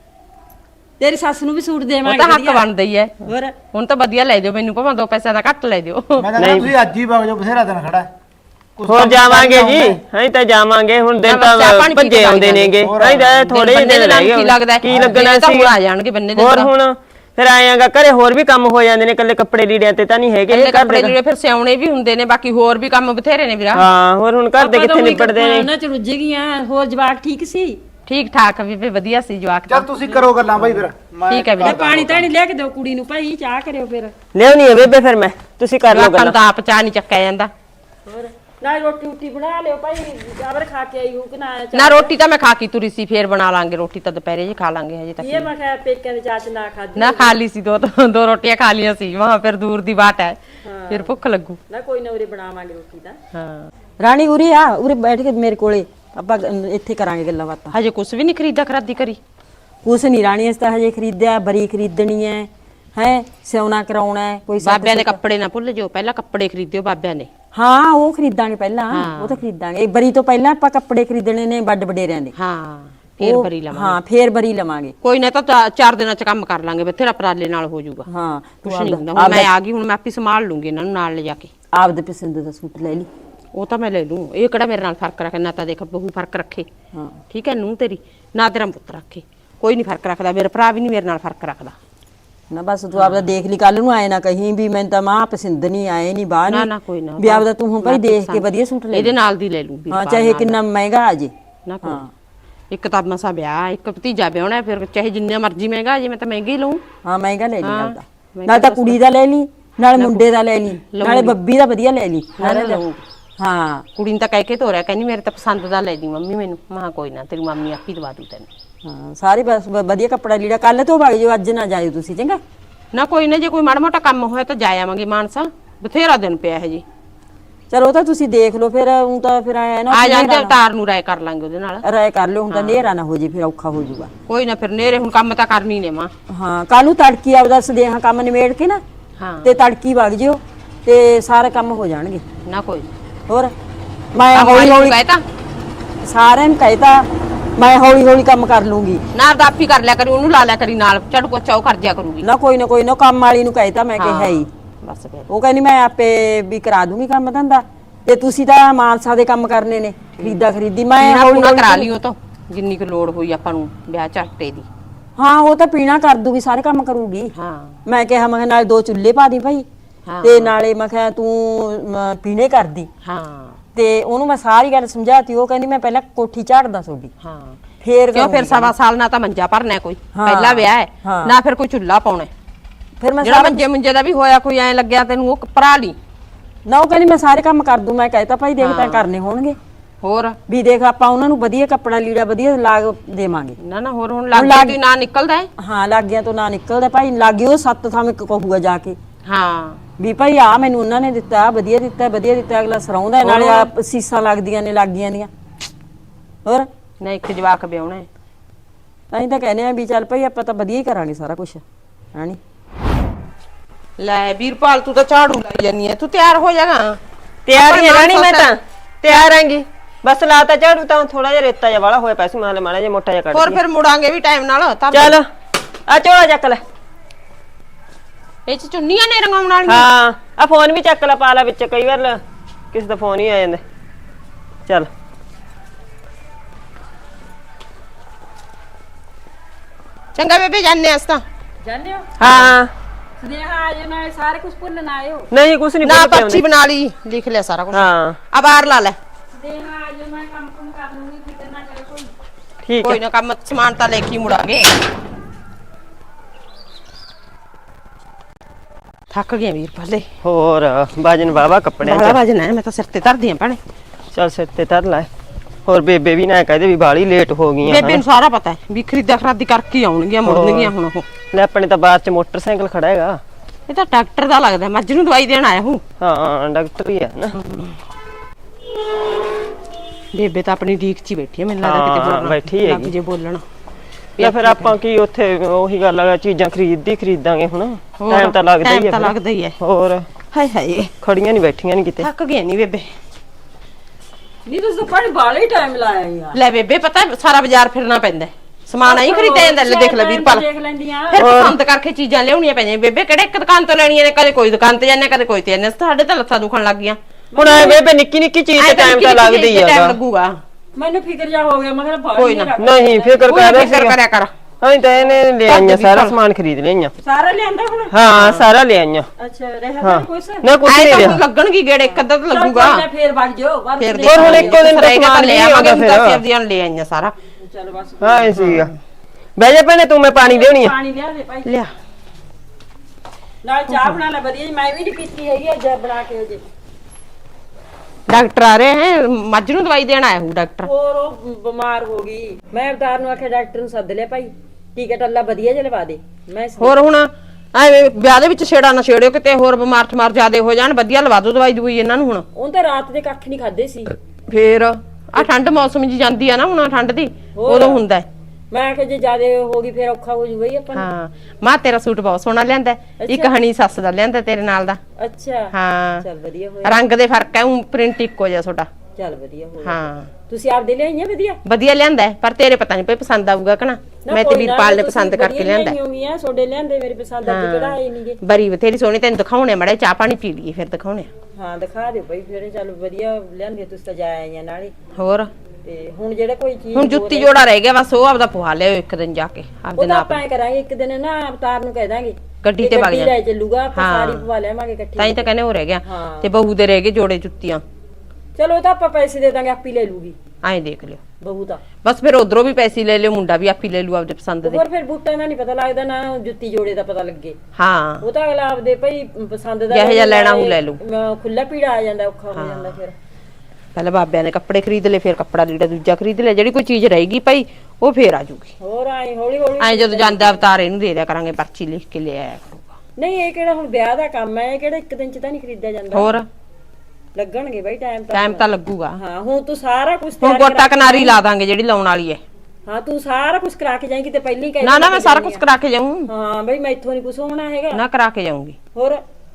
[SPEAKER 8] ਤੇਰੀ ਸੱਸ ਨੂੰ ਵੀ ਸੂਟ
[SPEAKER 4] ਉਹ
[SPEAKER 8] ਦੇਵਾਂਗੇ।
[SPEAKER 4] ਤਾਂ ਹੱਕ ਬਣਦਾ ਹੀ ਹੈ।
[SPEAKER 8] ਹੋਰ
[SPEAKER 4] ਹੁਣ ਤਾਂ ਵਧੀਆ ਲੈ ਦਿਓ ਮੈਨੂੰ, ਭਾਵੇਂ ਦੋ ਪੈਸਿਆਂ ਦਾ ਘੱਟ ਲੈ ਦਿਓ।
[SPEAKER 3] ਮੈਂ ਕਹਿੰਦਾ ਤੁਸੀਂ ਅੱਜ ਹੀ ਵਗ ਜਾਓ, ਬਥੇਰਾ ਦਿਨ ਖੜਾ ਹੈ। ਕੁਛ
[SPEAKER 2] ਹੋਰ
[SPEAKER 3] ਕੰਮ
[SPEAKER 2] ਜਾਵਾਂਗੇ
[SPEAKER 3] ਕਰਨਾ
[SPEAKER 2] ਜੀ,
[SPEAKER 3] ਹੁੰਦਾ ਹੈ।
[SPEAKER 2] ਅਸੀਂ ਤਾਂ ਜਾਵਾਂਗੇ ਹੁਣ, ਦਿਨ
[SPEAKER 4] ਚਾਹ
[SPEAKER 2] ਤਾਂ
[SPEAKER 4] ਪਾਣੀ ਪੀ ਕੇ
[SPEAKER 2] ਭੱਜੇ ਆਉਂਦੇ ਨੇਗੇ, ਅਸੀਂ ਤਾਂ ਥੋੜੇ ਜਿਹੇ ਦਿਨ ਰਹਿ ਗਏ।
[SPEAKER 4] ਕੀ ਲੱਗਦਾ
[SPEAKER 2] ਕੀ ਲੱਗਣਾ
[SPEAKER 4] ਤਾਂ
[SPEAKER 2] ਸੀ?
[SPEAKER 4] ਹੋਰ ਆ ਜਾਣਗੇ ਬੰਨੇ ਦੇ।
[SPEAKER 2] ਹੋਰ ਹੁਣ ਫਿਰ ਆਏਗਾ ਘਰੇ ਹੋਰ ਵੀ ਕੰਮ ਹੋ ਜਾਂਦੇ ਨੇ, ਕੱਲੇ ਕੱਪੜੇ ਲੀੜਿਆਂ ਤੇ ਤਾਂ ਨਹੀਂ ਹੈਗੇ
[SPEAKER 4] ਇਹ
[SPEAKER 2] ਘਰ
[SPEAKER 4] ਕੱਪੜੇ
[SPEAKER 2] ਦੇ।
[SPEAKER 4] ਜਿਹੜੇ ਫਿਰ ਸਿਆਉਣੇ ਵੀ ਹੁੰਦੇ ਨੇ, ਬਾਕੀ ਹੋਰ ਵੀ ਕੰਮ ਬਥੇਰੇ ਨੇ ਵੀਰਾ।
[SPEAKER 2] ਹਾਂ ਹੋਰ ਹੁਣ ਘਰ ਦੇ ਕਿੱਥੇ ਨਿਪਟਦੇ ਨੇ।
[SPEAKER 8] ਉਹਨਾਂ ਚ ਰੁੱਝ ਗਈਆਂ। ਹੋਰ ਜਵਾਕ ਠੀਕ ਸੀ?
[SPEAKER 4] ਠੀਕ ਠਾਕ ਬੀਬੇ, ਵਧੀਆ ਸੀ ਜਵਾਕ
[SPEAKER 3] ਚੱਲ ਤੁਸੀਂ ਕਰੋ ਗੱਲਾਂ ਭਾਈ ਫਿਰ। ਮੈਂ
[SPEAKER 4] ਠੀਕ ਹੈ ਵੀਰੇ।
[SPEAKER 8] ਪਾਣੀ ਤਾਂ ਨਹੀਂ ਲਿਆ ਕੇ ਦਿਓ ਕੁੜੀ ਨੂੰ ਭਾਈ, ਚਾਹ ਕਰਿਓ ਫਿਰ।
[SPEAKER 2] ਲਿਆਉਣੀ ਹੈ ਬੇਬੇ ਫਿਰ ਮੈਂ, ਤੁਸੀਂ ਕਰ ਲਓ
[SPEAKER 4] ਜਵਾਕਾਂ
[SPEAKER 2] ਗੱਲ।
[SPEAKER 4] ਨੂੰ ਤਾਂ ਆਪ ਚਾਹ ਨਹੀਂ ਚੱਕਿਆ ਜਾਂਦਾ।
[SPEAKER 8] ਹੋਰ ਨਾ ਰੋਟੀ ਉੱਟੀ ਬਣਾ ਲਿਓ ਭਾਈ, ਜਾਬਰ ਖਾ ਕੇ ਆਈ ਹੂੰ ਕਿ ਨਾ।
[SPEAKER 4] ਨਾ ਰੋਟੀ ਤਾਂ ਮੈਂ ਖਾ ਕੇ ਤੁਰੀ ਸੀ, ਫੇਰ ਬਣਾ ਲਾਂਗੇ ਰੋਟੀ ਤਾਂ ਦੁਪਹਿਰੇ ਜੀ ਖਾ ਲਾਂਗੇ ਹਜੇ ਤੱਕ।
[SPEAKER 8] ਇਹ ਮੈਂ ਕਿਹਾ ਪੇਕਿਆਂ ਦੇ ਚਾਚ ਨਾ ਖਾਦੀ
[SPEAKER 4] ਨਾ ਖਾ ਲਈ ਸੀ, ਦੋ ਦੋ ਰੋਟੀਆਂ ਖਾ ਲੀਆਂ ਸੀ, ਵਹਾਂ ਫਿਰ ਦੂਰ ਦੀ ਬਾਤ ਹੈ, ਫਿਰ ਭੁੱਖ ਲੱਗੂ।
[SPEAKER 8] ਨਾ ਕੋਈ ਨਾ ਉਰੇ ਬਣਾਵਾਂਗੇ ਰੋਟੀ ਤਾਂ।
[SPEAKER 4] ਹਾਂ
[SPEAKER 1] ਰਾਣੀ ਉਰੇ ਆ, ਉਰੇ ਬੈਠ ਕੇ ਮੇਰੇ ਕੋਲੇ ਆਪਾਂ ਇੱਥੇ ਕਰਾਂਗੇ ਗੱਲਾਂ ਬਾਤਾਂ।
[SPEAKER 4] ਹਜੇ ਕੁਛ ਵੀ ਨਹੀਂ ਖਰੀਦਾ ਖਰਾਦੀ ਕਰੀ?
[SPEAKER 1] ਕੁਛ ਨਹੀਂ ਰਾਣੀ, ਇਸ ਤਾਂ ਹਜੇ ਖਰੀਦਿਆ, ਬਰੀ ਖਰੀਦਣੀ ਹੈ, ਹੈ ਸਿਉਣਾ ਕਰਾਉਣਾ ਹੈ, ਕੋਈ ਸੱਤ
[SPEAKER 4] ਬਾਬਿਆਂ ਦੇ
[SPEAKER 1] ਸੱਤ-
[SPEAKER 4] ਕੱਪੜੇ ਨਾ ਭੁੱਲ ਜਾਓ, ਪਹਿਲਾਂ ਕੱਪੜੇ ਖਰੀਦਿਓ ਬਾਬਿਆਂ ਨੇ।
[SPEAKER 1] ਹਾਂ ਉਹ ਖਰੀਦਾਂਗੇ ਪਹਿਲਾਂ, ਉਹ ਤਾਂ ਖਰੀਦਾਂਗੇ। ਇਹ ਬਰੀ ਤੋਂ ਪਹਿਲਾਂ ਆਪਾਂ ਕੱਪੜੇ ਖਰੀਦਣੇ ਨੇ ਵੱਡ ਵਡੇਰਿਆਂ ਦੇ।
[SPEAKER 4] ਹਾਂ ਫੇਰ
[SPEAKER 1] ਉਹ-
[SPEAKER 4] ਬਰੀ ਲਵਾਂਗੇ।
[SPEAKER 1] ਹਾਂ ਫੇਰ ਬਰੀ ਲਵਾਂਗੇ।
[SPEAKER 4] ਕੋਈ ਨਾ ਤਾਂ ਚਾ- ਚਾਰ ਦਿਨਾਂ ਚ ਕੰਮ ਕਰ ਲਾਂਗੇ, ਬਥੇਰਾ ਪਰਾਲੇ ਨਾਲ ਹੋ ਜਾਊਗਾ।
[SPEAKER 1] ਹਾਂ
[SPEAKER 4] ਕੁਛ
[SPEAKER 1] ਤੂੰ
[SPEAKER 4] ਨਹੀਂ ਹੁੰਦਾ, ਹੁਣ ਮੈਂ ਆ ਗਈ, ਹੁਣ ਮੈਂ ਆਪੇ ਸੰਭਾਲ ਲੂੰਗੀ ਇਹਨਾਂ ਨੂੰ ਨਾਲ ਲੈ ਜਾ ਕੇ।
[SPEAKER 1] ਆਪਦੇ ਪਸੰਦ ਦਾ ਸੂਟ ਲੈ ਲਈ।
[SPEAKER 4] ਉਹ ਤਾਂ ਮੈਂ ਲੈ ਲੂੰ, ਇਹ ਕਿਹੜਾ ਮੇਰੇ ਨਾਲ ਫਰਕ ਰੱਖੇ ਨਾ, ਤਾਂ ਦੇਖ ਬਹੂ ਫਰਕ ਰੱਖੇ।
[SPEAKER 1] ਹਾਂ
[SPEAKER 4] ਠੀਕ ਹੈ ਨੂੰ ਤੇਰੀ ਨਾ ਤੇਰਾ ਪੁੱਤ ਰੱਖੇ, ਕੋਈ ਨਹੀਂ ਫਰਕ ਰੱਖਦਾ, ਮੇਰਾ ਭਰਾ ਵੀ ਨਹੀਂ ਮੇਰੇ ਨਾਲ ਫਰਕ ਰੱਖਦਾ।
[SPEAKER 1] ਨਾ ਬਸ ਤੂੰ ਆਪਦਾ ਦੇਖ ਲਈ, ਕੱਲ ਨੂੰ ਆਏ ਨਾ ਕਹੀਂ ਵੀ ਮੈਨੂੰ ਤਾਂ ਮਾਂ ਪਸੰਦ ਨਹੀਂ ਆਏ ਨਹੀਂ ਬਾਹਰ
[SPEAKER 4] ਨਾ
[SPEAKER 1] ਨਹੀਂ।
[SPEAKER 4] ਨਾ ਕੋਈ ਨਾ,
[SPEAKER 1] ਵੀ ਆਪਦਾ ਤੂੰ ਹੁਣ ਭਾਈ ਦੇਖ ਕੇ ਵਧੀਆ ਸੂਟ ਲੈ
[SPEAKER 4] ਇਹਦੇ
[SPEAKER 1] ਲਈ।
[SPEAKER 4] ਨਾਲ ਦੀ ਲੈ ਲੂੰ
[SPEAKER 1] ਹਾਂ ਚਾਹੇ ਕਿੰਨਾ ਮਹਿੰਗਾ ਆ ਜੇ।
[SPEAKER 4] ਨਾ ਕੋਈ ਇੱਕ ਤਾਂ ਮਸਾ ਵਿਆਹ, ਇੱਕ ਭਤੀਜਾ ਵਿਆਹਣਾ, ਫਿਰ ਚਾਹੇ ਜਿੰਨਾ ਮਰਜ਼ੀ ਮਹਿੰਗਾ ਆ ਜੇ ਮੈਂ ਤਾਂ ਮਹਿੰਗੀ ਲਊਂ।
[SPEAKER 1] ਹਾਂ ਮਹਿੰਗਾ ਲੈ ਲਈ
[SPEAKER 4] ਹਾਂ,
[SPEAKER 1] ਆਪਦਾ,
[SPEAKER 4] ਮਹਿੰਗਾ
[SPEAKER 1] ਨਾਲ ਤਾਂ ਕੁੜੀ ਦਾ ਲੈ ਲਈ, ਨਾਲੇ ਮੁੰਡੇ ਦਾ ਲੈ ਲਈ, ਨਾਲੇ ਬੱਬੀ ਦਾ ਵਧੀਆ ਲੈ ਲਈ। ਹਾਂ
[SPEAKER 4] ਕੁੜੀ ਨੂੰ ਤਾਂ ਕਹਿ ਕੇ ਤੋਰਿਆ, ਕਹਿੰਦੀ ਮੇਰੇ ਤਾਂ ਪਸੰਦ ਦਾ ਲੈ ਦੀ ਮੰਮੀ ਮੈਨੂੰ। ਮੈਂ ਕਿਹਾ ਕੋਈ ਨਾ, ਤੇਰੀ ਮੰਮੀ ਆਪੀ ਦਵਾ ਦੂ ਤੈਨੂੰ।
[SPEAKER 1] ਹਾਂ ਸਾਰੇ ਬਸ ਵ- ਵਧੀਆ ਕੱਪੜਾ ਲੀੜਾ ਕੱਲ ਤੋਂ ਵਗ ਜਾਓ, ਅੱਜ ਨਾ ਜਾਇਓ ਤੁਸੀਂ ਚੰਗਾ।
[SPEAKER 4] ਨਾ ਕੋਈ ਨਾ, ਜੇ ਕੋਈ ਮਾੜਾ ਮੋਟਾ ਕੰਮ ਹੋਇਆ ਤਾਂ ਜਾ ਆਵਾਂਗੇ ਮਾਨਸਾ, ਬਥੇਰਾ ਦਿਨ ਪਿਆ ਹੈ ਜੀ।
[SPEAKER 1] ਚਲੋ ਉਹ ਤਾਂ ਤੁਸੀਂ ਦੇਖ ਲਓ ਫਿਰ, ਉਹ ਤਾਂ ਫਿਰ ਆਇਆ ਨਾ
[SPEAKER 4] ਆ ਜਾਂਦੇ ਅਵਤਾਰ ਨੂੰ ਰਾਏ ਕਰ ਲਾਂਗੇ ਉਹਦੇ ਨਾਲ।
[SPEAKER 1] ਰਾਏ ਕਰ ਲਿਓ, ਹੁਣ ਤਾਂ ਨੇਰਾ ਨਾ ਹੋ ਜੇ, ਫਿਰ ਔਖਾ ਹੋ ਜਾਊਗਾ।
[SPEAKER 4] ਕੋਈ ਨਾ, ਫਿਰ ਨੇਰੇ ਹੁਣ ਕੰਮ ਤਾਂ ਕਰਨੀ ਨੇ ਮਾਂ।
[SPEAKER 1] ਹਾਂ ਕੱਲ ਨੂੰ ਤੜਕੀ ਆਪਦਾ ਸਦੇਹਾ ਕੰਮ ਨਿਬੇੜ ਕੇ ਨਾ
[SPEAKER 4] ਹਾਂ
[SPEAKER 1] ਤੇ ਤੜਕੀ ਵਗ ਜਿਓ ਤੇ ਸਾਰੇ ਕੰਮ ਹੋ ਜਾਣਗੇ।
[SPEAKER 4] ਨਾ ਕੋਈ
[SPEAKER 1] ਹੋਰ ਮੈਂ ਹੌਲੀ ਹੌਲੀ
[SPEAKER 4] ਕਹਿਤਾ
[SPEAKER 1] ਸਾਰਿਆਂ ਨੂੰ ਕਹਿਤਾ, ਮੈਂ ਹੌਲੀ ਹੌਲੀ ਕੰਮ ਕਰ ਲੂੰਗੀ।
[SPEAKER 4] ਨਾ ਦਾਪੀ ਕਰ ਲਿਆ ਕਰੀ, ਉਹਨੂੰ ਲਾ ਲਿਆ ਕਰੀ ਨਾਲ, ਝੜ ਕੋਚਾ ਉਹ ਕਰ ਜਿਆ ਕਰੂਗੀ।
[SPEAKER 1] ਨਾ ਕੋਈ ਨਾ ਕੋਈ ਨਾ, ਕੰਮ ਵਾਲੀ ਨੂੰ ਕਹਿਤਾ ਮੈਂ ਕਿਹਾ ਹੈ ਹੀ।
[SPEAKER 4] ਬਸ ਫਿਰ
[SPEAKER 1] ਉਹ ਕਹਿੰਦੀ ਮੈਂ ਆਪੇ ਵੀ ਕਰਾ ਦੂੰਗੀ ਕੰਮ ਧੰਦਾ, ਤੇ ਤੁਸੀਂ ਤਾਂ ਮਾਨਸਾ ਦੇ ਕੰਮ ਕਰਨੇ ਨੇ, ਖਰੀਦਾ ਖਰੀਦੀ। ਮੈਂ ਹੌਲੀ
[SPEAKER 4] ਪੂਰਾ
[SPEAKER 1] ਹੌਲੀ
[SPEAKER 4] ਕਰਾ ਲਈ ਉਹ ਤੋਂ, ਜਿੰਨੀ ਕੁ ਲੋੜ ਹੋਈ ਆਪਾਂ ਨੂੰ ਵਿਆਹ ਝਾਟੇ ਦੀ।
[SPEAKER 1] ਹਾਂ ਉਹ ਤਾਂ ਪੀਣਾ ਕਰ ਦੂਗੀ, ਸਾਰੇ ਕੰਮ ਕਰੂਗੀ।
[SPEAKER 4] ਹਾਂ
[SPEAKER 1] ਮੈਂ ਕਿਹਾ ਮੈਂ ਕਿਹਾ ਨਾਲ ਦੋ ਚੁੱਲ੍ਹੇ ਪਾ ਦੀ ਭਾਈ,
[SPEAKER 4] ਹਾਂ।
[SPEAKER 1] ਤੇ ਨਾਲੇ ਮੈਂ ਕਿਹਾ ਤੂੰ ਅਮ, ਪੀਣੇ ਕਰਦੀ।
[SPEAKER 4] ਹਾਂ
[SPEAKER 1] ਤੇ ਉਹਨੂੰ ਮੈਂ ਸਾਰੀ ਗੱਲ ਸਮਝਾਤੀ। ਉਹ ਕਹਿੰਦੀ ਮੈਂ ਪਹਿਲਾਂ ਕੋਠੀ ਝਾੜਦਾ ਤੁਹਾਡੀ,
[SPEAKER 4] ਹਾਂ
[SPEAKER 1] ਫੇਰ
[SPEAKER 4] ਕਿਉਂ ਫਿਰ
[SPEAKER 1] ਕਰੂੰਗੀ।
[SPEAKER 4] ਸਵਾ ਸਾਲ ਨਾ ਤਾਂ ਮੰਜਾ ਭਰਨਾ ਕੋਈ,
[SPEAKER 1] ਹਾਂ।
[SPEAKER 4] ਪਹਿਲਾ ਵਿਆਹ ਹੈ
[SPEAKER 1] ਹਾਂ।
[SPEAKER 4] ਨਾ, ਫਿਰ ਕੋਈ ਚੁੱਲਾ ਪਾਉਣਾ।
[SPEAKER 1] ਫਿਰ ਮੈਂ
[SPEAKER 4] ਜਿਹੜਾ
[SPEAKER 1] ਸਾਰਾ
[SPEAKER 4] ਮੰਜੇ ਮੁੰਜੇ ਦਾ ਵੀ ਹੋਇਆ ਕੋਈ ਐ ਲੱਗਿਆ ਤੈਨੂੰ, ਉਹ ਭਰਾ ਲਈ।
[SPEAKER 1] ਨਾ ਉਹ ਕਹਿੰਦੀ ਮੈਂ ਸਾਰੇ ਕੰਮ ਕਰ ਦੂੰ। ਮੈਂ ਕਹਿਤਾ ਭਾਈ ਦੇਖ ਤਾਂ ਕਰਨੇ ਹੋਣਗੇ,
[SPEAKER 4] ਹੋਰ
[SPEAKER 1] ਵੀ ਦੇਖ ਆਪਾਂ ਉਹਨਾਂ ਨੂੰ ਵਧੀਆ ਕੱਪੜਾ ਲੀੜਾ ਵਧੀਆ ਲਾਗ ਦੇਵਾਂਗੇ।
[SPEAKER 4] ਨਾ ਨਾ ਹੋਰ ਹੁਣ ਲੱਗ ਗਈ ਨਾ ਨਿਕਲਦਾ ਹੈ।
[SPEAKER 1] ਹਾਂ ਲਾਗਿਆਂ ਤੋਂ ਨਾ ਨਿਕਲਦਾ ਭਾਈ, ਲਾਗੇ ਉਹ ਸੱਤ ਥਾਂ ਇੱਕ ਕਹੂਗਾ ਜਾ ਕੇ
[SPEAKER 4] ਹਾਂ
[SPEAKER 1] ਵੀ ਭਾਈ ਆ ਮੈਨੂੰ ਉਹਨਾਂ ਨੇ ਦਿੱਤਾ, ਆਹ ਵਧੀਆ ਦਿੱਤਾ, ਵਧੀਆ ਦਿੱਤਾ, ਅਗਲਾ ਸਰਾਉਂਦਾ, ਨਾਲੇ ਆ ਸੀਸਾਂ ਲੱਗਦੀਆਂ ਨੇ ਲਾਗੀਆਂ ਦੀਆਂ। ਹੋਰ
[SPEAKER 4] ਨਾ ਇੱਕ ਜਵਾਕ ਵਿਆਹਣਾ ਹੈ।
[SPEAKER 1] ਅਸੀਂ ਤਾਂ ਕਹਿੰਦੇ ਆ ਵੀ ਚੱਲ ਭਾਈ ਆਪਾਂ ਤਾਂ ਵਧੀਆ ਹੀ ਕਰਾਂਗੇ ਸਾਰਾ ਕੁਝ, ਹੈਨੀ।
[SPEAKER 4] ਲੈ ਵੀਰਪਾਲ ਤੂੰ ਤਾਂ ਝਾੜੂ ਲਾਈ ਜਾਨੀ ਐ, ਤੂੰ ਤਿਆਰ ਹੋ ਜਾਗਾ।
[SPEAKER 2] ਤਿਆਰ ਹੀ ਰਹਿਣੀ ਮੈਂ ਤਾਂ, ਤਿਆਰ ਆਂਗੀ ਬਸ। ਲਾਤਾ ਝਾੜੂ ਤਾਂ ਥੋੜਾ ਜਿਹਾ ਰੇਤਾ ਜਿਹਾ ਵਾਲਾ ਹੋਇਆ ਪਿਆ ਸੀ, ਮਾਲੇ ਮਾੜਾ ਜਿਹਾ ਮੋਟਾ ਜਿਹਾ ਕੱਢ
[SPEAKER 4] ਹੋਰ ਫਿਰ ਮੁੜਾਂਗੇ ਵੀ ਟਾਈਮ ਨਾਲ ਤਾਂ।
[SPEAKER 2] ਚੱਲ ਆ ਝੋਲਾ ਚੱਕ ਲੈ।
[SPEAKER 4] ਇਹ ਚ ਚੁੰਨੀਆਂ ਨੇ ਰੰਗਾਉਣ ਵਾਲੀਆਂ।
[SPEAKER 2] ਹਾਂ ਆ ਫੋਨ ਵੀ ਚੱਕ ਲੈ, ਪਾ ਲੈ ਵਿੱਚ, ਕਈ ਵਾਰ ਕਿਸੇ ਦਾ ਫੋਨ ਹੀ ਆ ਜਾਂਦਾ। ਚੱਲ
[SPEAKER 4] ਚੰਗਾ ਬੇਬੇ ਜਾਣੇ ਅਸ ਤਾਂ।
[SPEAKER 8] ਜਾਣਦੇ ਹੋ
[SPEAKER 2] ਹਾਂ
[SPEAKER 8] ਸੁਨੇਹਾ ਆ ਜਾਓ, ਨਾਲੇ ਸਾਰੇ ਕੁਝ ਭੁੱਲ ਨਾ ਆਇਓ।
[SPEAKER 2] ਨਹੀਂ ਕੁਛ ਨਹੀਂ
[SPEAKER 4] ਨਾ ਪਰਚੀ ਬਣਾ ਲਈ, ਲਿਖ ਲਿਆ ਸਾਰਾ ਕੁਝ।
[SPEAKER 2] ਹਾਂ
[SPEAKER 4] ਆ ਬਾਹਰ ਲਾ ਲੈ।
[SPEAKER 8] ਸੁਨੇਹਾ ਆ ਜਾਓ, ਮੈਂ ਕੰਮ ਕੰਮ ਕਰ ਲੂੰਗੀ, ਫਿਕਰ ਨਾ ਕਰੋ ਕੋਈ।
[SPEAKER 2] ਠੀਕ
[SPEAKER 4] ਕੋਈ
[SPEAKER 2] ਹੈ।
[SPEAKER 4] ਨਾ, ਕੰਮ ਸਮਾਨ ਤਾਂ ਲੈ ਕੇ ਹੀ ਮੁੜਾਂਗੇ। ਥੱਕ ਗਏ ਵੀਰਪਾਲੇ,
[SPEAKER 2] ਹੋਰ ਬਾਜਨ ਬਾਬਾ ਕੱਪੜਿਆਂ
[SPEAKER 4] ਬੜਾ
[SPEAKER 2] ਚ।
[SPEAKER 4] ਵਜਨ ਹੈ, ਮੈਂ ਤਾਂ ਸਿਰ ਤੇ ਧਰਦੀ ਆਂ ਭੈਣੇ।
[SPEAKER 2] ਚੱਲ ਸਿਰ ਤੇ ਧਰ ਲੈ। ਹੋਰ ਬੇਬੇ ਵੀ ਨਾ ਕਹਦੇ ਵੀ ਬਾਲੀ ਲੇਟ ਹੋ ਗਈਆਂ।
[SPEAKER 4] ਬੇਬੇ ਨੂੰ ਸਾਰਾ ਪਤਾ ਹੈ ਵੀ ਖਰੀਦਾ ਖਰਾਦੀ ਕਰਕੇ ਆਉਣਗੀਆਂ, ਮੁੜਨਗੀਆਂ ਹੁਣ ਉਹ।
[SPEAKER 2] ਲੈ ਆਪਣੇ ਤਾਂ ਬਾਹਰ ਚ ਮੋਟਰਸਾਈਕਲ ਖੜਾ ਹੈਗਾ।
[SPEAKER 4] ਇਹ ਤਾਂ ਡਾਕਟਰ ਦਾ ਲੱਗਦਾ, ਮੱਝ ਨੂੰ ਦਵਾਈ ਦੇਣ ਆਇਆ ਹੂੰ।
[SPEAKER 2] ਹਾਂ ਡਾਕਟਰ ਹੀ ਹੈ ਨਾ।
[SPEAKER 4] ਬੇਬੇ ਤਾਂ ਆਪਣੀ ਡੀਕ 'ਚ ਹੀ ਬੈਠੀ ਹੈ, ਮੈਨੂੰ ਲੱਗਦਾ
[SPEAKER 2] ਹਾਂ,
[SPEAKER 4] ਕਿਤੇ ਬੋਲਣਾ
[SPEAKER 2] ਬੈਠੀ ਹੈਗੀ।
[SPEAKER 4] ਲੱਗ ਜੇ ਬੋਲਣਾ।
[SPEAKER 2] ਜਾਂ ਫਿਰ ਆਪਾਂ ਕੀ ਉੱਥੇ ਉਹੀ ਗੱਲ ਆ, ਚੀਜ਼ਾਂ ਖਰੀਦਦੀ ਖਰੀਦਾਂਗੇ ਹੁਣ।
[SPEAKER 4] ਹੋਰ,
[SPEAKER 2] ਟਾਈਮ ਤਾਂ ਲੱਗਦਾ ਹੀ
[SPEAKER 4] time
[SPEAKER 2] ਹੈ
[SPEAKER 4] ਤਾਂ
[SPEAKER 2] ਫਿਰ।
[SPEAKER 4] ਲੱਗਦਾ ਹੀ ਹੈ।
[SPEAKER 2] ਹੋਰ
[SPEAKER 4] ਹਾਏ ਹਾਏ
[SPEAKER 2] ਖੜੀਆਂ ਨਹੀਂ ਬੈਠੀਆਂ ਨਹੀਂ ਕਿਤੇ।
[SPEAKER 4] ਥੱਕ ਗਏ ਨਹੀਂ ਬੇਬੇ।
[SPEAKER 8] ਨਹੀਂ ਤੁਸੀਂ ਪਾਣੀ ਬਾਲੇ ਹੀ ਟਾਈਮ ਲਾਇਆ ਯਾਰ।
[SPEAKER 4] ਲੈ ਬੇਬੇ ਪਤਾ ਸਾਰਾ ਬਾਜ਼ਾਰ ਫਿਰਨਾ ਪੈਂਦਾ ਹੈ। ਸਮਾਨ ਆਈ ਖਰੀਦਿਆ ਜਾਂਦਾ। ਲੈ ਦੇਖ ਲੈ ਵੀਰਪਾਲ,
[SPEAKER 8] ਦੇਖ ਲੈਂਦੀਆਂ।
[SPEAKER 4] ਫਿਰ ਪਸੰਦ ਕਰਕੇ ਚੀਜ਼ਾਂ ਲਿਆਉਣੀਆਂ ਪੈਂਦੀਆਂ ਬੇਬੇ। ਕਿਹੜੇ ਇੱਕ ਦੁਕਾਨ ਤੋਂ ਲੈਣੀਆਂ ਨੇ, ਕਦੇ ਕੋਈ ਦੁਕਾਨ ਤੇ ਜਾਂਦੇ ਕਦੇ ਕੋਈ ਤੇ ਜਾਂਦੇ। ਸਾਡੇ ਤਾਂ ਲੱਤਾਂ ਦੁਖਣ ਲੱਗ ਗਈਆਂ
[SPEAKER 2] ਹੁਣ ਐ ਬੇਬੇ ਨਿੱਕੀ ਨਿੱਕੀ ਚੀਜ਼ ਤੇ ਟਾਈਮ ਤਾਂ ਲੱਗਦਾ ਹੀ
[SPEAKER 4] ਟਾਈਮ
[SPEAKER 2] ਹੈਗਾ।
[SPEAKER 4] ਲੱਗੂਗਾ।
[SPEAKER 8] ਮੈਨੂੰ ਫਿਕਰ ਜਾ ਹੋ ਗਿਆ, ਮੈਂ ਕਿਹਾ
[SPEAKER 4] ਕੋਈ ਨਾ।
[SPEAKER 2] ਨਹੀਂ ਫਿਕਰ
[SPEAKER 4] ਕੋਈ
[SPEAKER 2] ਕਰ
[SPEAKER 4] ਨਾ
[SPEAKER 2] ਰਿਹਾ
[SPEAKER 4] ਫਿਕਰ ਕਰਿਆ ਕਰ।
[SPEAKER 2] ਹਾਂ ਤਾਂ ਇਹਨੇ ਲੈ ਆਈਆਂ, ਸਾਰਾ ਸਮਾਨ ਖਰੀਦ ਲਿਆਈਆਂ।
[SPEAKER 8] ਸਾਰਾ ਲਿਆਂਦਾ ਹੁਣ।
[SPEAKER 2] ਹਾਂ ਸਾਰਾ ਲੈ ਆਈਆਂ।
[SPEAKER 8] ਅੱਛਾ ਰਹਿ
[SPEAKER 2] ਹਾਂ
[SPEAKER 8] ਕੁਛ
[SPEAKER 2] ਨਾ ਕੁਛ
[SPEAKER 4] ਐ
[SPEAKER 2] ਨਹੀਂ
[SPEAKER 4] ਤਾਂ
[SPEAKER 2] ਲਿਆ।
[SPEAKER 4] ਹੁਣ ਲੱਗਣਗੇ ਗੇੜੇ, ਇੱਕ ਅੱਧਾ ਤਾਂ ਲੱਗੂਗਾ।
[SPEAKER 8] ਚੱਲ ਫੇਰ ਵਗ ਜਾਓ ਬਾਹਰ
[SPEAKER 4] ਫਿਰ
[SPEAKER 8] ਦੇ-
[SPEAKER 2] ਹੋਰ ਹੁਣ ਇੱਕੋ ਦਿਨ ਤਾਂ ਸਮਾਨ
[SPEAKER 4] ਲੈ
[SPEAKER 2] ਨਹੀਂ
[SPEAKER 4] ਆਵਾਂਗੇ,
[SPEAKER 2] ਆਉਂਦਾ
[SPEAKER 4] ਹੁਣ ਤਾਂ
[SPEAKER 2] ਫਿਰ।
[SPEAKER 4] ਸਬਜ਼ੀਆਂ ਲੈ ਆਈਆਂ ਸਾਰਾ।
[SPEAKER 8] ਚੱਲ ਬਸ
[SPEAKER 2] ਹਾਂ ਇਹ ਸੀਗਾ। ਬਹਿ ਜਾ ਭੈਣੇ, ਤੂੰ ਮੈਂ ਪਾਣੀ ਦੇਣੀ ਆ।
[SPEAKER 8] ਪਾਣੀ ਲਿਆ ਦੇ ਭਾਈ,
[SPEAKER 4] ਲਿਆ
[SPEAKER 8] ਨਾਲ ਚਾਹ ਬਣਾ ਲੈ ਵਧੀਆ ਜੀ। ਮੈਂ ਵੀ ਨਹੀਂ ਪੀਤੀ ਹੈਗੀ ਅੱਜ, ਬਣਾ ਕੇ ਜੇ।
[SPEAKER 4] ਡਾਕਟਰ ਆ ਰਹੇ ਹੈ, ਮੱਝ ਨੂੰ ਦਵਾਈ ਦੇਣ ਆਇਆ ਹੂੰ ਡਾਕਟਰ।
[SPEAKER 8] ਹੋਰ ਉਹ ਬਿਮਾਰ ਹੋ ਗਈ। ਮੈਂ ਅਵਤਾਰ ਨੂੰ ਆਖਿਆ ਡਾਕਟਰ ਨੂੰ ਸੱਦ ਲਿਆ ਭਾਈ, ਟੀਕਾ ਟੱਲਾ ਵਧੀਆ ਜਿਹਾ ਲਵਾ ਦੇ। ਮੈਂ
[SPEAKER 4] ਹੋਰ ਹੁਣ ਐਵੇਂ ਵਿਆਹ ਦੇ ਵਿੱਚ ਛੇੜਾ ਨਾ ਛੇੜਿਓ, ਕਿਤੇ ਹੋਰ ਬਿਮਾਰ ਠਮਾਰ ਜ਼ਿਆਦੇ ਹੋ ਜਾਣ। ਵਧੀਆ ਲਵਾ ਦੋ ਦਵਾਈ ਦਵਾਈ ਇਹਨਾਂ ਨੂੰ ਹੁਣ।
[SPEAKER 8] ਉਹ ਤਾਂ ਰਾਤ ਦੇ ਕੱਖ ਨਹੀਂ ਖਾਦੇ ਸੀ।
[SPEAKER 4] ਫੇਰ ਆ ਠੰਡ ਮੌਸਮ ਜੀ ਜਾਂਦੀ ਆ ਨਾ ਹੁਣ, ਠੰਡ ਦੀ ਉਦੋਂ ਹੁੰਦਾ ਹੈ।
[SPEAKER 8] ਮੈਂ ਆਖਿਆ ਜੇ ਜ਼ਿਆਦੇ ਹੋ ਗਈ ਫੇਰ ਔਖਾ ਹੋ ਜੂਗਾ ਹੀ ਆਪਾਂ ਨੂੰ।
[SPEAKER 4] ਹਾਂ ਮਾਂ ਤੇਰਾ ਸੂਟ ਬਹੁਤ ਸੋਹਣਾ ਲਿਆਂਦਾ ਹੈ। ਇੱਕ ਹਣੀ ਸੱਸ ਦਾ ਲਿਆਂਦਾ ਤੇਰੇ ਨਾਲ ਦਾ।
[SPEAKER 8] ਅੱਛਾ
[SPEAKER 4] ਹਾਂ
[SPEAKER 8] ਚੱਲ ਵਧੀਆ ਹੋਇਆ।
[SPEAKER 4] ਰੰਗ ਦੇ ਫਰਕ ਹੈ, ਉਹ ਪ੍ਰਿੰਟ ਇੱਕੋ ਜਿਹਾ ਤੁਹਾਡਾ।
[SPEAKER 8] ਚੱਲ ਵਧੀਆ ਹੋਇਆ।
[SPEAKER 4] ਹਾਂ
[SPEAKER 8] ਤੁਸੀਂ ਆਪਦੇ ਲਿਆਈਆਂ ਵਧੀਆ?
[SPEAKER 4] ਵਧੀਆ ਲਿਆਂਦਾ ਹੈ, ਪਰ ਤੇਰੇ ਪਤਾ ਨਹੀਂ ਪਈ ਪਸੰਦ ਆਊਗਾ ਕਿ ਨਾ। ਮੈਂ ਤੇ ਵੀਰਪਾਲ ਨੇ ਪਸੰਦ ਕਰਕੇ ਲਿਆਂਦਾ ਹੈ।
[SPEAKER 8] ਹੋਗੀਆਂ ਛੋਡੇ ਲਿਆਂਦੇ, ਮੇਰੇ ਪਸੰਦ ਅੱਜ ਕਿਹੜਾ ਆਏ ਨਹੀਂਗੇ।
[SPEAKER 4] ਬਰੀ ਬਥੇਰੀ ਸੋਹਣੀ, ਤੈਨੂੰ ਦਿਖਾਉਣੇ ਮੜੇ। ਚਾਹ ਪਾਣੀ ਪੀ ਲਈਏ ਫਿਰ ਦਿਖਾਉਣੇ।
[SPEAKER 8] ਹਾਂ ਦਿਖਾ ਦਿਓ ਬਈ ਫਿਰ। ਚੱਲ ਵਧੀਆ ਲਿਆਂਦੇ, ਤੁਸੀਂ ਤਾਂ ਜਾ ਆਈਆਂ ਨਾਲੇ।
[SPEAKER 4] ਹੋਰ
[SPEAKER 8] ਤੇ ਹੁਣ ਜਿਹੜਾ ਕੋਈ ਚੀਜ਼
[SPEAKER 4] ਹੁਣ ਜੁੱਤੀ ਜੋੜਾ ਰਹਿ ਗਿਆ ਬਸ, ਉਹ ਆਪਦਾ ਪਵਾ ਲਿਓ ਇੱਕ ਦਿਨ ਜਾ ਕੇ ਆਪਦੇ
[SPEAKER 8] ਉਹ ਤਾਂ
[SPEAKER 4] ਨਾਲ।
[SPEAKER 8] ਆਪਾਂ ਐ ਕਰਾਂਗੇ, ਇੱਕ ਦਿਨ ਨਾ ਅਵਤਾਰ ਨੂੰ ਕਹਿ ਦਾਂਗੇ
[SPEAKER 4] ਗੱਡੀ ਤੇ ਵਗ ਜਾ।
[SPEAKER 8] ਲੈ ਚੱਲੂਗਾ, ਆਪਾਂ
[SPEAKER 4] ਹਾਂ।
[SPEAKER 8] ਸਾਰੀ ਪਵਾ ਲਿਆਵਾਂਗੇ ਇਕੱਠੀ।
[SPEAKER 4] ਤਾਂ ਹੀ ਤਾਂ ਕਹਿੰਦੇ ਹੋ ਰਹਿ ਗਿਆ।
[SPEAKER 8] ਹਾਂ।
[SPEAKER 4] ਤੇ ਬਹੂ ਦੇ ਰਹਿ ਗਏ ਜੋੜੇ ਜੁੱਤੀਆਂ।
[SPEAKER 8] ਚਲੋ ਉਹ ਤਾਂ ਆਪਾਂ ਪੈਸੇ ਦੇ ਦਾਂਗੇ, ਆਪੀ ਲੈ ਲੂਗੀ
[SPEAKER 4] ਐਂ ਦੇਖ ਲਿਓ
[SPEAKER 8] ਬਹੂ ਤਾਂ।
[SPEAKER 4] ਬਸ ਫਿਰ ਉਧਰੋਂ ਵੀ ਪੈਸੇ ਲੈ ਲਿਓ, ਮੁੰਡਾ ਵੀ ਆਪੀ ਲੈ ਲੂ ਆਪਦੇ ਪਸੰਦ ਦੇ।
[SPEAKER 8] ਹੋਰ ਫਿਰ ਬੂਟਾਂ ਦਾ ਨਹੀਂ ਪਤਾ ਲੱਗਦਾ, ਨਾ ਜੁੱਤੀ ਜੋੜੇ ਦਾ ਪਤਾ ਲੱਗੇ।
[SPEAKER 4] ਹਾਂ
[SPEAKER 8] ਉਹ ਤਾਂ ਅਗਲਾ ਆਪਦੇ ਭਈ ਪਸੰਦ ਦਾ
[SPEAKER 4] ਜਿਹੋ ਜਿਹਾ ਲੈਣਾ ਉਹ ਲੈ ਲੂ।
[SPEAKER 8] ਖੁੱਲਾ ਪੀੜਾ ਆ ਜਾਂਦਾ, ਔਖਾ ਹੋ ਜਾਂਦਾ ਫਿਰ।
[SPEAKER 4] ਪਹਿਲਾਂ ਬਾਬਿਆਂ ਨੇ ਕੱਪੜੇ ਖਰੀਦ ਲਏ, ਫਿਰ ਕੱਪੜਾ ਲੀੜਾ ਦੂਜਾ ਖਰੀਦ ਲਿਆ। ਜਿਹੜੀ ਕੋਈ ਚੀਜ਼ ਰਹੇਗੀ ਭਾਈ ਉਹ ਫੇਰ ਆ ਜੂਗੀ।
[SPEAKER 8] ਹੋਰ ਆਏ ਹੌਲੀ ਹੌਲੀ।
[SPEAKER 4] ਐਂ ਜਦੋਂ ਜਾਂਦਾ ਅਵਤਾਰ ਇਹਨੂੰ ਦੇ ਦਿਆ ਕਰਾਂਗੇ, ਪਰਚੀ ਲਿਖ ਕੇ ਲੈ ਆਇਆ ਕਰੂਗਾ।
[SPEAKER 8] ਨਹੀਂ ਇਹ ਕਿਹੜਾ ਹੁਣ ਵਿਆਹ ਦਾ ਕੰਮ ਹੈ, ਇਹ ਕਿਹੜਾ ਇੱਕ ਦਿਨ ਚ ਤਾਂ ਨਹੀਂ ਖਰੀਦਿਆ ਜਾਂਦਾ।
[SPEAKER 4] ਹੋਰ
[SPEAKER 8] ਲੱਗਣਗੇ ਬਈ ਟਾਈਮ ਤਾਂ।
[SPEAKER 4] ਟਾਈਮ ਤਾਂ ਲੱਗੂਗਾ।
[SPEAKER 8] ਹਾਂ ਹੁਣ ਤੂੰ ਸਾਰਾ ਕੁਝ
[SPEAKER 4] ਹੁਣ ਗੋਟਾ ਕਿਨਾਰੀ ਲਾ ਦਾਂਗੇ ਜਿਹੜੀ ਲਾਉਣ ਵਾਲੀ ਹੈ।
[SPEAKER 8] ਹਾਂ ਤੂੰ ਸਾਰਾ ਕੁਝ ਕਰਾ ਕੇ ਜਾਏਂਗੀ ਤੇ ਪਹਿਲਾਂ ਹੀ ਕਹਿ
[SPEAKER 4] ਨਾ ਨਾ ਮੈਂ ਸਾਰਾ ਕੁਝ ਕਰਾ ਕੇ ਜਾਊਂ।
[SPEAKER 8] ਹਾਂ ਬਈ ਮੈਥੋਂ ਨਹੀਂ ਕੁਝ ਹੋਣਾ ਹੈਗਾ।
[SPEAKER 4] ਨਾ ਕਰਾ ਕੇ ਜਾਊਂਗੀ।
[SPEAKER 8] ਹੋਰ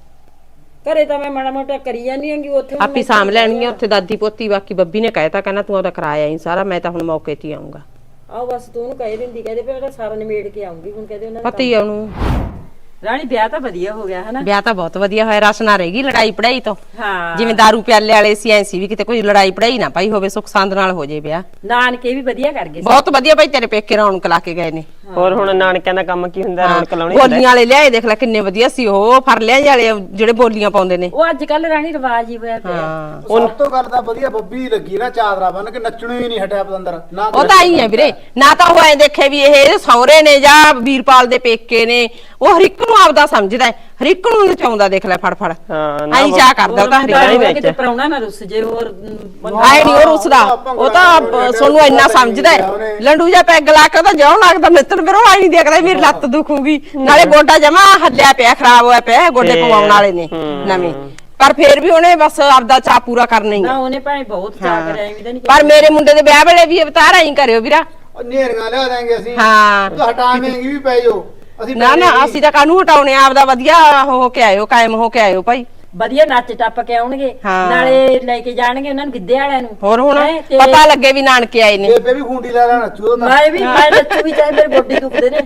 [SPEAKER 8] ਘਰੇ ਤਾਂ ਮੈਂ ਮਾੜਾ ਮੋਟਾ ਕਰੀ ਜਾਂਦੀ ਆਂਗੀ, ਉੱਥੇ ਹੁਣ
[SPEAKER 4] ਆਪੀ ਸਾਂਭ ਲੈਣਗੇ ਉੱਥੇ ਦਾਦੀ ਪੋਤੀ। ਬਾਕੀ ਬੱਬੀ ਨੇ ਕਹਿਤਾ ਕਹਿੰਦਾ ਤੂੰ ਉਹਦਾ ਕਰਾਇਆ ਹੀ ਸਾਰਾ, ਮੈਂ ਤਾਂ ਹੁਣ ਮੌਕੇ ਤੇ ਹੀ ਆਉਂਗਾ।
[SPEAKER 8] ਆਓ ਬਸ ਤੂੰ ਉਹਨੂੰ ਕਹਿ ਦਿੰਦੀ, ਕਹਦੇ ਫਿਰ ਉਹਦਾ ਸਾਰਾ ਨਿਮੇੜ ਕੇ ਆਉਂਗੀ। ਹੁਣ ਕਹਦੇ ਉਹਨਾਂ
[SPEAKER 4] ਪਤਾ ਹੀ ਆ ਉਹਨੂੰ।
[SPEAKER 8] ਰਾਣੀ ਵਿਆਹ ਤਾਂ ਵਧੀਆ ਹੋ ਗਿਆ ਹਨਾ।
[SPEAKER 4] ਵਿਆਹ ਤਾਂ ਬਹੁਤ ਵਧੀਆ ਹੋਇਆ, ਰਸ ਨਾ ਰਹੇਗੀ ਲੜਾਈ ਪੜਾਈ ਤੋਂ।
[SPEAKER 8] ਹਾਂ
[SPEAKER 4] ਜਿਵੇਂ ਦਾਰੂ ਪਿਆਲੇ ਵਾਲੇ ਸੀ ਐਂ ਸੀ ਵੀ ਕਿਤੇ ਕੋਈ ਲੜਾਈ ਪੜਾਈ ਨਾ ਪਾਈ ਹੋਵੇ, ਸੁੱਖ ਸੰਦ ਨਾਲ ਹੋ ਜੇ ਵਿਆਹ।
[SPEAKER 8] ਨਾਨਕੇ ਵੀ ਵਧੀਆ ਕਰ ਗਏ।
[SPEAKER 4] ਬਹੁਤ ਵਧੀਆ ਭਾਈ, ਤੇਰੇ ਪੇਕੇ ਰੌਣਕ ਲਾ ਕੇ ਗਏ ਨੇ।
[SPEAKER 2] ਹੋਰ ਹੁਣ ਨਾਨਕਿਆਂ ਦਾ ਕੰਮ ਕੀ ਹੁੰਦਾ, ਰੌਣਕ ਲਾਉਣੀ ਹੁੰਦਾ।
[SPEAKER 4] ਬੋਲੀਆਂ ਵਾਲੇ ਲਿਆਏ ਦੇਖ ਲੈ ਕਿੰਨੇ ਵਧੀਆ ਸੀ ਉਹ, ਫਰਲਿਆਂ ਵਾਲੇ ਜਿਹੜੇ ਬੋਲੀਆਂ ਪਾਉਂਦੇ ਨੇ।
[SPEAKER 8] ਉਹ ਅੱਜ ਕੱਲ ਰਾਣੀ ਰਿਵਾਜ ਹੀ ਹੋਇਆ ਪਿਆ।
[SPEAKER 4] ਹਾਂ
[SPEAKER 3] ਸਭ ਤੋਂ ਗੱਲ ਤਾਂ ਵਧੀਆ ਬੱਬੀ ਲੱਗੀ ਨਾ, ਚਾਦਰਾ ਬੰਨ ਕੇ ਨੱਚਣੋਂ ਹੀ ਨਹੀਂ ਹਟਿਆ ਪਤੰਦਰ ਨਾ।
[SPEAKER 4] ਉਹ ਤਾਂ ਆਈ ਹੈ ਵੀਰੇ, ਨਾ ਤਾਂ ਉਹ ਐ ਦੇਖੇ ਵੀ ਇਹ ਸਹੁਰੇ ਨੇ ਜਾਂ ਵੀਰਪਾਲ ਦੇ ਪੇਕੇ ਨੇ। ਉਹ ਹਰ ਇੱਕ ਨੂੰ ਆਪਦਾ ਸਮਝਦਾ ਹੈ, ਹਰ ਇੱਕ ਨੂੰ ਨਚਾਉਂਦਾ ਦੇਖ ਲੈ ਫੜ ਫੜ।
[SPEAKER 2] ਹਾਂ ਨਾ
[SPEAKER 4] ਆਈ ਚਾਹ ਕਰਦਾ ਉਹ ਤਾਂ ਹਰ ਇੱਕ ਨੂੰ।
[SPEAKER 8] ਕਿਤੇ ਪਰਾਉਣਾ ਨਾ ਰੁੱਸ ਜੇ। ਹੋਰ
[SPEAKER 4] ਆਏ ਨਹੀਂ ਉਹ ਰੁੱਸਦਾ, ਉਹ ਤਾਂ ਸੋਨੂੰ ਇੰਨਾ ਸਮਝਦਾ ਹੈ। ਲੰਡੂ ਜਿਹਾ ਪੈਗ ਲਾ ਕੇ ਤਾਂ ਜਿਉਂ ਲੱਗਦਾ ਮਿੱਤਰ ਫਿਰ ਉਹ ਆਈ ਨਹੀਂ ਦੇਖਦਾ ਮੇਰੀ ਲੱਤ ਦੁਖੂਗੀ। ਨਾਲੇ ਗੋਡਾ ਜਮਾ ਹੱਲਿਆ ਪਿਆ, ਖਰਾਬ ਹੋਇਆ ਪਿਆ, ਗੋਡੇ ਪਵਾਉਣ ਵਾਲੇ ਨੇ ਨਵੇਂ। ਪਰ ਫੇਰ ਵੀ ਉਹਨੇ ਬਸ ਆਪਦਾ ਚਾਹ ਪੂਰਾ ਕਰਨਾ ਹੀ
[SPEAKER 8] ਨਾ
[SPEAKER 4] ਹੈ।
[SPEAKER 8] ਉਹਨੇ ਭਾਵੇਂ ਬਹੁਤ ਚਾਹ ਕਰਿਆ ਐਵੇਂ ਤਾਂ ਨਹੀਂ।
[SPEAKER 4] ਪਰ ਮੇਰੇ ਮੁੰਡੇ ਦੇ ਵਿਆਹ ਵੇਲੇ ਵੀ ਅਵਤਾਰ ਆਈ ਕਰਿਓ ਵੀਰਾ।
[SPEAKER 3] ਨੇਰੀਆਂ ਲਿਆ ਦਾਂਗੇ ਅਸੀਂ।
[SPEAKER 4] ਹਾਂ
[SPEAKER 3] ਤੂੰ ਹਟਾਵੇਂਗੀ ਵੀ ਪੈ ਜਾਓ। ਅਸੀਂ
[SPEAKER 4] ਨਾ ਨਾ ਅਸੀਂ ਤਾਂ ਕਾਹਨੂੰ ਹਟਾਉਣੇ, ਆਪਦਾ ਵਧੀਆ ਹੋ ਕੇ ਆਇਓ, ਕਾਇਮ ਹੋ ਕੇ ਆਇਓ ਭਾਈ।
[SPEAKER 8] ਵਧੀਆ ਨੱਚ ਟੱਪ ਕੇ ਆਉਣਗੇ,
[SPEAKER 4] ਹਾਂ।
[SPEAKER 8] ਨਾਲੇ ਲੈ ਕੇ ਜਾਣਗੇ ਉਹਨਾਂ ਨੂੰ ਗਿੱਧੇ ਵਾਲਿਆਂ ਨੂੰ।
[SPEAKER 4] ਹੋਰ ਹੁਣ
[SPEAKER 8] ਹੈਂ, ਤੇ
[SPEAKER 4] ਪਤਾ ਲੱਗੇ ਵੀ ਨਾਨਕੇ ਆਏ ਨੇ।
[SPEAKER 3] ਬੇਬੇ ਵੀ ਖੁੰਡੀ ਲਾ ਲੈਣਾ ਨੱਚੂ ਤਾਂ।
[SPEAKER 8] ਮੈਂ ਵੀ ਮੈਂ ਨੱਚੂ ਵੀ, ਚਾਹੇ ਮੇਰੇ ਗੋਡੇ ਦੁਖਦੇ ਨੇ।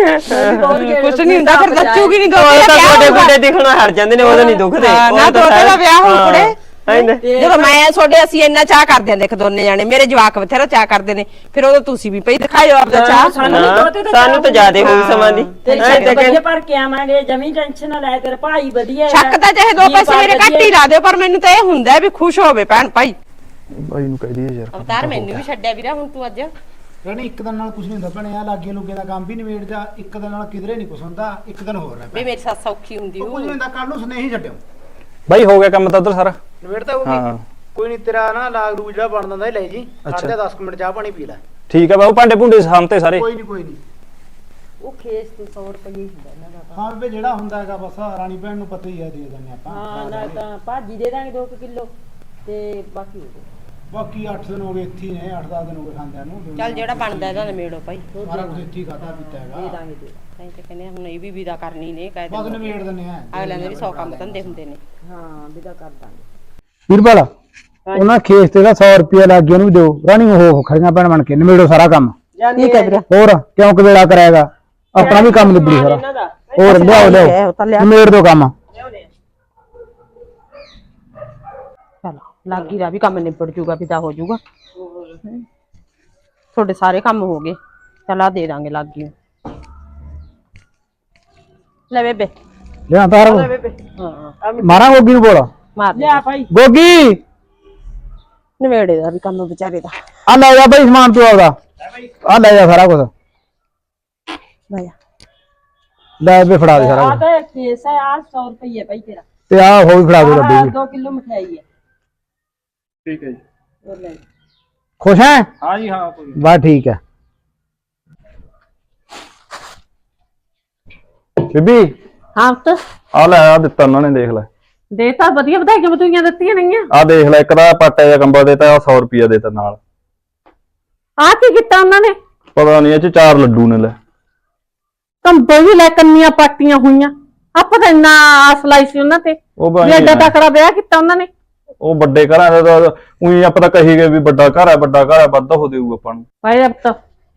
[SPEAKER 4] ਕੁਛ ਨਹੀਂ ਹੁੰਦਾ, ਫਿਰ ਨੱਚੂਗੀ ਨਹੀਂ।
[SPEAKER 2] ਉਹ ਤਾਂ ਗੋਡੇ ਗੋਡੇ ਦਿਖਣਾ ਹਟ ਜਾਂਦੇ ਨੇ, ਉਦੋਂ ਨਹੀਂ ਦੁਖਦੇ।
[SPEAKER 4] ਨਾ ਦੋਤੇ ਦਾ ਵਿਆਹ ਹੋਊ ਕੁੜੇ।
[SPEAKER 2] ਐਂ
[SPEAKER 4] ਜਦੋਂ ਮੈਂ ਤੁਹਾਡੇ ਅਸੀਂ ਇੰਨਾ ਚਾਹ ਕਰਦੇ ਆਂ, ਦੇਖ ਦੋਨੇ ਜਾਣੇ ਮੇਰੇ ਜਵਾਕ ਬਥੇਰਾ ਚਾਹ ਕਰਦੇ ਨੇ, ਫਿਰ ਉਦੋਂ ਤੁਸੀਂ ਵੀ ਪਈ ਦਿਖਾਇਓ ਆਪਦਾ ਚਾਹ।
[SPEAKER 2] ਸਾਨੂੰ ਤਾਂ ਜ਼ਿਆਦੇ ਹੋਊ ਸਮਾਂ ਦੀ।
[SPEAKER 8] ਵਧੀਆ ਭਰ ਕੇ ਆਵਾਂਗੇ, ਜਮੀ ਟੈਨਸ਼ਨ ਨਾ ਲੈ। ਤੇਰਾ ਭਾਈ ਵਧੀਆ
[SPEAKER 4] ਸ਼ੱਕ ਤਾਂ ਚਾਹੇ ਦੋ ਪੈਸੇ ਮੇਰੇ ਘੱਟ ਹੀ ਲਾ ਦਿਓ, ਪਰ ਮੈਨੂੰ ਤਾਂ ਇਹ ਹੁੰਦਾ ਵੀ ਖੁਸ਼ ਹੋਵੇ ਭੈਣ ਭਾਈ।
[SPEAKER 6] ਬਾਈ ਨੂੰ ਕਹਿ ਦਈਏ ਯਾਰ।
[SPEAKER 4] ਅਵਤਾਰ ਮੈਨੂੰ ਵੀ ਛੱਡਿਆ ਵੀਰਾ ਹੁਣ ਤੂੰ ਅੱਜ।
[SPEAKER 3] ਰਾਣੀ ਇੱਕ ਦਿਨ ਨਾਲ ਕੁਝ ਨਹੀਂ ਹੁੰਦਾ ਭਣੇ, ਆ ਲਾਗੇ ਲੁੱਗੇ ਦਾ ਕੰਮ ਵੀ ਨਿਬੇੜ ਜਾ। ਇੱਕ ਦਿਨ ਨਾਲ ਕਿਧਰੇ ਨਹੀਂ ਕੁਝ ਹੁੰਦਾ, ਇੱਕ ਦਿਨ ਹੋਰ ਰਹਿ
[SPEAKER 4] ਵੀ ਮੇਰੀ ਸੱਸ ਔਖੀ ਹੁੰਦੀ
[SPEAKER 3] ਕੁਝ ਨਹੀਂ ਹੁੰਦਾ, ਕੱਲ ਨੂੰ ਸੁਨੇਹੀ ਛੱਡਿਓ।
[SPEAKER 6] ਬਾਈ ਹੋ ਗਿਆ ਕੰਮ ਤਾਂ ਉਧਰ ਸਾਰਾ।
[SPEAKER 3] ਨਿਬੇੜਦਾ ਹੋਊਗੀ।
[SPEAKER 6] ਹਾਂ
[SPEAKER 3] ਕੋਈ ਨਹੀਂ, ਤੇਰਾ ਨਾ ਲਾਗ ਰੂ ਜਿਹੜਾ ਬਣ ਦਿੰਦਾ ਲੈ ਜੀ। ਖੜ ਜਾ ਦਸ ਮਿੰਟ ਚਾਹ ਪਾਣੀ ਪੀ ਲੈ।
[SPEAKER 6] ਠੀਕ ਹੈ ਬਾਬੂ, ਭਾਂਡੇ ਭੁੰਡੇ ਸਾਹਮਣੇ ਸਾਰੇ।
[SPEAKER 3] ਕੋਈ ਨਹੀਂ ਕੋਈ ਨਹੀਂ,
[SPEAKER 8] ਉਹ ਖੇਸ ਤੇ ਸੌ ਰੁਪਏ ਹੀ ਹੁੰਦਾ ਇਹਨਾਂ ਦਾ ਤਾਂ।
[SPEAKER 3] ਹਾਂ ਬੇਬੇ ਜਿਹੜਾ ਹੁੰਦਾ ਹੈਗਾ ਬਸ ਰਾਣੀ ਭੈਣ ਨੂੰ ਪਤਾ ਹੀ ਹੈ, ਦੇ ਦਿੰਦੇ ਆਪਾਂ
[SPEAKER 8] ਹਾਂ ਨਾਲ ਤਾਂ ਭਾਜੀ ਦੇ ਦਾਂਗੇ ਦੋ ਕਿਲੋ ਤੇ ਬਾਕੀ ਹੋ ਗਏ
[SPEAKER 3] ਬਾਕੀ ਅੱਠ ਦਿਨ ਹੋ ਗਏ ਇੱਥੇ ਹੀ ਨੇ, ਅੱਠ ਦਸ ਦਿਨ ਹੋ ਗਏ ਖਾਂਦਿਆਂ ਨੂੰ।
[SPEAKER 4] ਚੱਲ ਜਿਹੜਾ ਬਣਦਾ ਇਹਦਾ ਨਵੇੜੋ ਭਾਈ,
[SPEAKER 3] ਸਾਰਾ ਕੁਝ ਇੱਥੇ ਹੀ ਖਾਧਾ ਪੀਤਾ
[SPEAKER 8] ਦੇ
[SPEAKER 3] ਹੈਗਾ,
[SPEAKER 8] ਦਾਂਗੇ ਦੇ
[SPEAKER 4] ਤਾਂ ਤੇ ਕਹਿੰਦੇ ਆ, ਹੁਣ ਇਹ ਵੀ ਵਿਦਾ ਕਰਨੀ ਨੇ ਕਹਿ
[SPEAKER 3] ਬਸ
[SPEAKER 4] ਦਿੰਦੇ
[SPEAKER 3] ਨਵੇੜ ਦਿੰਦੇ ਆ।
[SPEAKER 4] ਅਗਲਿਆਂ ਦੇ ਵੀ ਸੌ ਕੰਮ ਧੰਦੇ ਹੁੰਦੇ ਨੇ।
[SPEAKER 8] ਹਾਂ ਵਿਦਾ ਕਰ ਦਾਂਗੇ।
[SPEAKER 3] ਵੀਰਪਾਲ ਉਹਨਾਂ ਖੇਸ ਤੇ ਦਾ ਸੌ ਰੁਪਿਆ ਲੱਗ ਗਿਆ ਉਹਨੂੰ ਵੀ ਦਿਓ, ਰਾਣੀ ਉਹ ਖੜੀਆਂ ਭੈਣ ਬਣ ਕੇ ਨਿਬੇੜੋ ਸਾਰਾ ਕੰਮ।
[SPEAKER 1] ਠੀਕ ਹੈ ਵੀਰੇ।
[SPEAKER 3] ਹੋਰ ਕਿਉਂ ਕਵੇਲਾ ਕਰਾਏਗਾ, ਆਪਣਾ ਵੀ ਕੰਮ ਨਿਬੜੀ ਸਾਰਾ। ਹੋਰ ਲਿਆਓ ਲਿਆਓ ਨਿਬੇੜ ਦਿਓ ਕੰਮ।
[SPEAKER 4] ਚਲੋ ਲਾਗੀ ਦਾ ਵੀ ਕੰਮ ਨਿਬੜ ਜੂਗਾ, ਵਿਦਾ ਹੋ ਜੂਗਾ। ਤੁਹਾਡੇ ਸਾਰੇ ਕੰਮ ਹੋ ਗਏ, ਚਲ ਆ ਦੇ ਦਾਂਗੇ ਲਾਗੀ ਨੂੰ। ਲੈ ਬੇਬੇ
[SPEAKER 3] ਲਿਆ ਤਾਰ
[SPEAKER 4] ਹਾਂ
[SPEAKER 3] ਮਾਰਾਂ ਗੋਗੀ ਨੂੰ ਬੋਲ,
[SPEAKER 4] ਮਾਰ ਲਿਆ ਭਾਈ
[SPEAKER 3] ਗੋਗੀ
[SPEAKER 4] ਨਵੇੜੇ ਦਾ ਵੀ ਕੰਮ ਵਿਚਾਰੇ ਦਾ।
[SPEAKER 3] ਆ ਲੈ ਜਾ ਬਈ ਸਮਾਨ ਤੂੰ ਆਪਦਾ, ਆ ਲੈ ਜਾ ਸਾਰਾ ਕੁਝ,
[SPEAKER 4] ਲੈ
[SPEAKER 3] ਲੈ ਬੇ ਫੜਾ ਦੇ ਸਾਰਾ ਕੁਝ।
[SPEAKER 8] ਤਾਂ ਖੇਸ ਹੈ ਆ ਸੌ ਰੁਪਏ ਭਾਈ ਤੇਰਾ।
[SPEAKER 3] ਤੇ ਆ ਹੋ ਵੀ ਫੜਾ ਦੇ ਲੱਡੂ ਵੀ।
[SPEAKER 8] ਦੋ ਕਿਲੋ ਮਠਿਆਈ ਹੈ।
[SPEAKER 6] ਠੀਕ ਹੈ ਜੀ।
[SPEAKER 8] ਹੋਰ ਲੈ
[SPEAKER 3] ਖੁਸ਼ ਹੈ?
[SPEAKER 6] ਹਾਂ ਜੀ ਹਾਂ ਕੋਈ
[SPEAKER 3] ਬਸ ਠੀਕ ਹੈ ਬੀਬੀ।
[SPEAKER 7] ਹਾਂ ਪੁੱਤ
[SPEAKER 6] ਆ ਲੈ ਆ ਦਿੱਤਾ ਉਹਨਾਂ ਨੇ, ਦੇਖ ਲੈ
[SPEAKER 7] ਦੇ ਤਾਂ ਵਧੀਆ ਵਧਾਈਆਂ ਵਧੂਈਆਂ ਦਿੱਤੀਆਂ ਨਹੀਂਆਂ।
[SPEAKER 6] ਆ ਦੇਖ ਲੈ, ਇੱਕ ਦਾ ਪਾਟਾ ਜਿਹਾ ਕੰਬਲ ਦੇਤਾ, ਸੌ ਰੁਪਿਆ ਦੇਤਾ ਨਾਲ।
[SPEAKER 7] ਆ ਕੀ ਕੀਤਾ ਉਹਨਾਂ ਨੇ?
[SPEAKER 6] ਪਤਾ ਨਹੀਂ ਇਹ ਚ ਚਾਰ ਲੱਡੂ ਨੇ ਲੈ।
[SPEAKER 7] ਕੰਬਲ ਵੀ ਲੈ, ਕੰਨੀਆਂ ਪਾਟੀਆਂ ਹੋਈਆਂ। ਆਪਾਂ ਤਾਂ ਇੰਨਾ ਆਸ ਲਾਈ ਸੀ ਉਹਨਾਂ ਤੇ,
[SPEAKER 6] ਉਹ
[SPEAKER 7] ਵੀ
[SPEAKER 6] ਬਾਈ
[SPEAKER 7] ਐਡਾ ਤਕੜਾ ਵਿਆਹ ਕੀਤਾ ਉਹਨਾਂ ਨੇ।
[SPEAKER 6] ਉਹ ਵੱਡੇ ਘਰਾਂ ਦਾ ਤਾਂ ਉਹੀ ਆਪਾਂ ਤਾਂ ਕਹੀ ਗਏ ਵੀ ਵੱਡਾ ਘਰ ਹੈ, ਵੱਡਾ ਘਰ ਹੈ, ਵੱਧ ਹੋ ਦੇਊ ਆਪਾਂ ਨੂੰ।
[SPEAKER 7] ਭਾਈ ਅਬ ਤਾਂ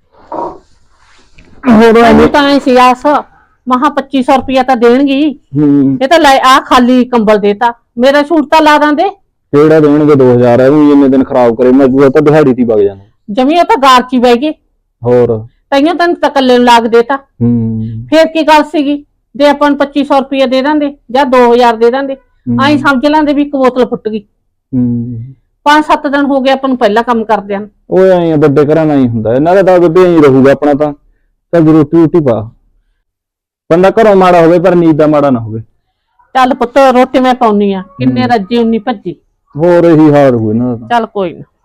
[SPEAKER 7] ਮੈਨੂੰ ਤਾਂ ਐ ਸੀ ਆਸ, ਮਹਾ ਪੱਚੀ ਸੌ ਰੁਪਇਆ ਤਾਂ ਦੇਣਗੀ।
[SPEAKER 6] ਹੂੰ
[SPEAKER 7] ਇਹ ਤਾਂ ਲੈ ਆ ਖਾਲੀ ਕੰਬਲ ਦੇਤਾ, ਮੇਰਾ ਸੂਟ ਤਾਂ ਲਾ ਦਾਂਦੇ।
[SPEAKER 6] ਕਿਹੜਾ ਦੇਣਗੇ ਦੋ ਹਜ਼ਾਰ, ਇਹ ਵੀ ਇੰਨੇ ਦਿਨ ਖਰਾਬ ਕਰੇ, ਮਜ਼ਦੂਰ ਤਾਂ ਦਿਹਾੜੀ ਤੇ ਵਗ ਜਾਂਦੇ।
[SPEAKER 7] ਜਮੀ ਉਹ ਤਾਂ ਗਾਰ ਚ ਹੀ ਬਹਿ ਗਏ,
[SPEAKER 6] ਹੋਰ
[SPEAKER 7] ਤਾਈਓ ਤੈਨੂੰ ਤਾਂ ਇਕੱਲੇ ਨੂੰ ਲਾਗ ਦੇਤਾ।
[SPEAKER 6] ਹੂੰ
[SPEAKER 7] ਫੇਰ ਕੀ ਗੱਲ ਸੀਗੀ, ਜੇ ਆਪਾਂ ਨੂੰ ਪੱਚੀ ਸੌ ਰੁਪਇਆ ਦੇ ਦਿੰਦੇ ਜਾਂ ਦੋ ਹਜ਼ਾਰ ਦੇ ਦਿੰਦੇ, ਆਈ ਸਮਝ ਲੈਂਦੇ ਵੀ ਇੱਕ ਬੋਤਲ ਫੁੱਟ ਗਈ।
[SPEAKER 6] ਹੂੰ
[SPEAKER 7] ਪੰਜ ਸੱਤ ਦਿਨ ਹੋ ਗਏ ਆਪਾਂ ਨੂੰ ਪਹਿਲਾਂ ਕੰਮ ਕਰਦਿਆਂ ਨੂੰ।
[SPEAKER 6] ਉਹ ਐਂ ਵੱਡੇ ਘਰਾਂ ਨਾਲ ਹੀ ਹੁੰਦਾ, ਇਹਨਾਂ ਦਾ ਤਾਂ ਬੇਬੇ ਐਂ ਰਹੂਗਾ ਆਪਣਾ ਤਾਂ। ਚੱਲ ਰੋਟੀ ਰੋਟੀ ਪਾ, ਬੰਦਾ ਘਰੋਂ ਮਾੜਾ ਹੋਵੇ ਪਰ ਨੀਂਦ ਦਾ ਮਾੜਾ ਨਾ ਹੋਵੇ।
[SPEAKER 7] ਚੱਲ ਪੁੱਤ ਰੋਟੀ ਮੈਂ ਪਾਉਣੀ ਆ, ਕਿੰਨੇ ਰੱਜੀ ਉਨੀ ਭੱਜੀ।
[SPEAKER 6] ਹੋਰ ਇਹੀ ਹਾਲ ਹੋਊ ਇਹਨਾਂ ਦਾ ਤਾਂ।
[SPEAKER 7] ਚੱਲ ਕੋਈ ਨਾ।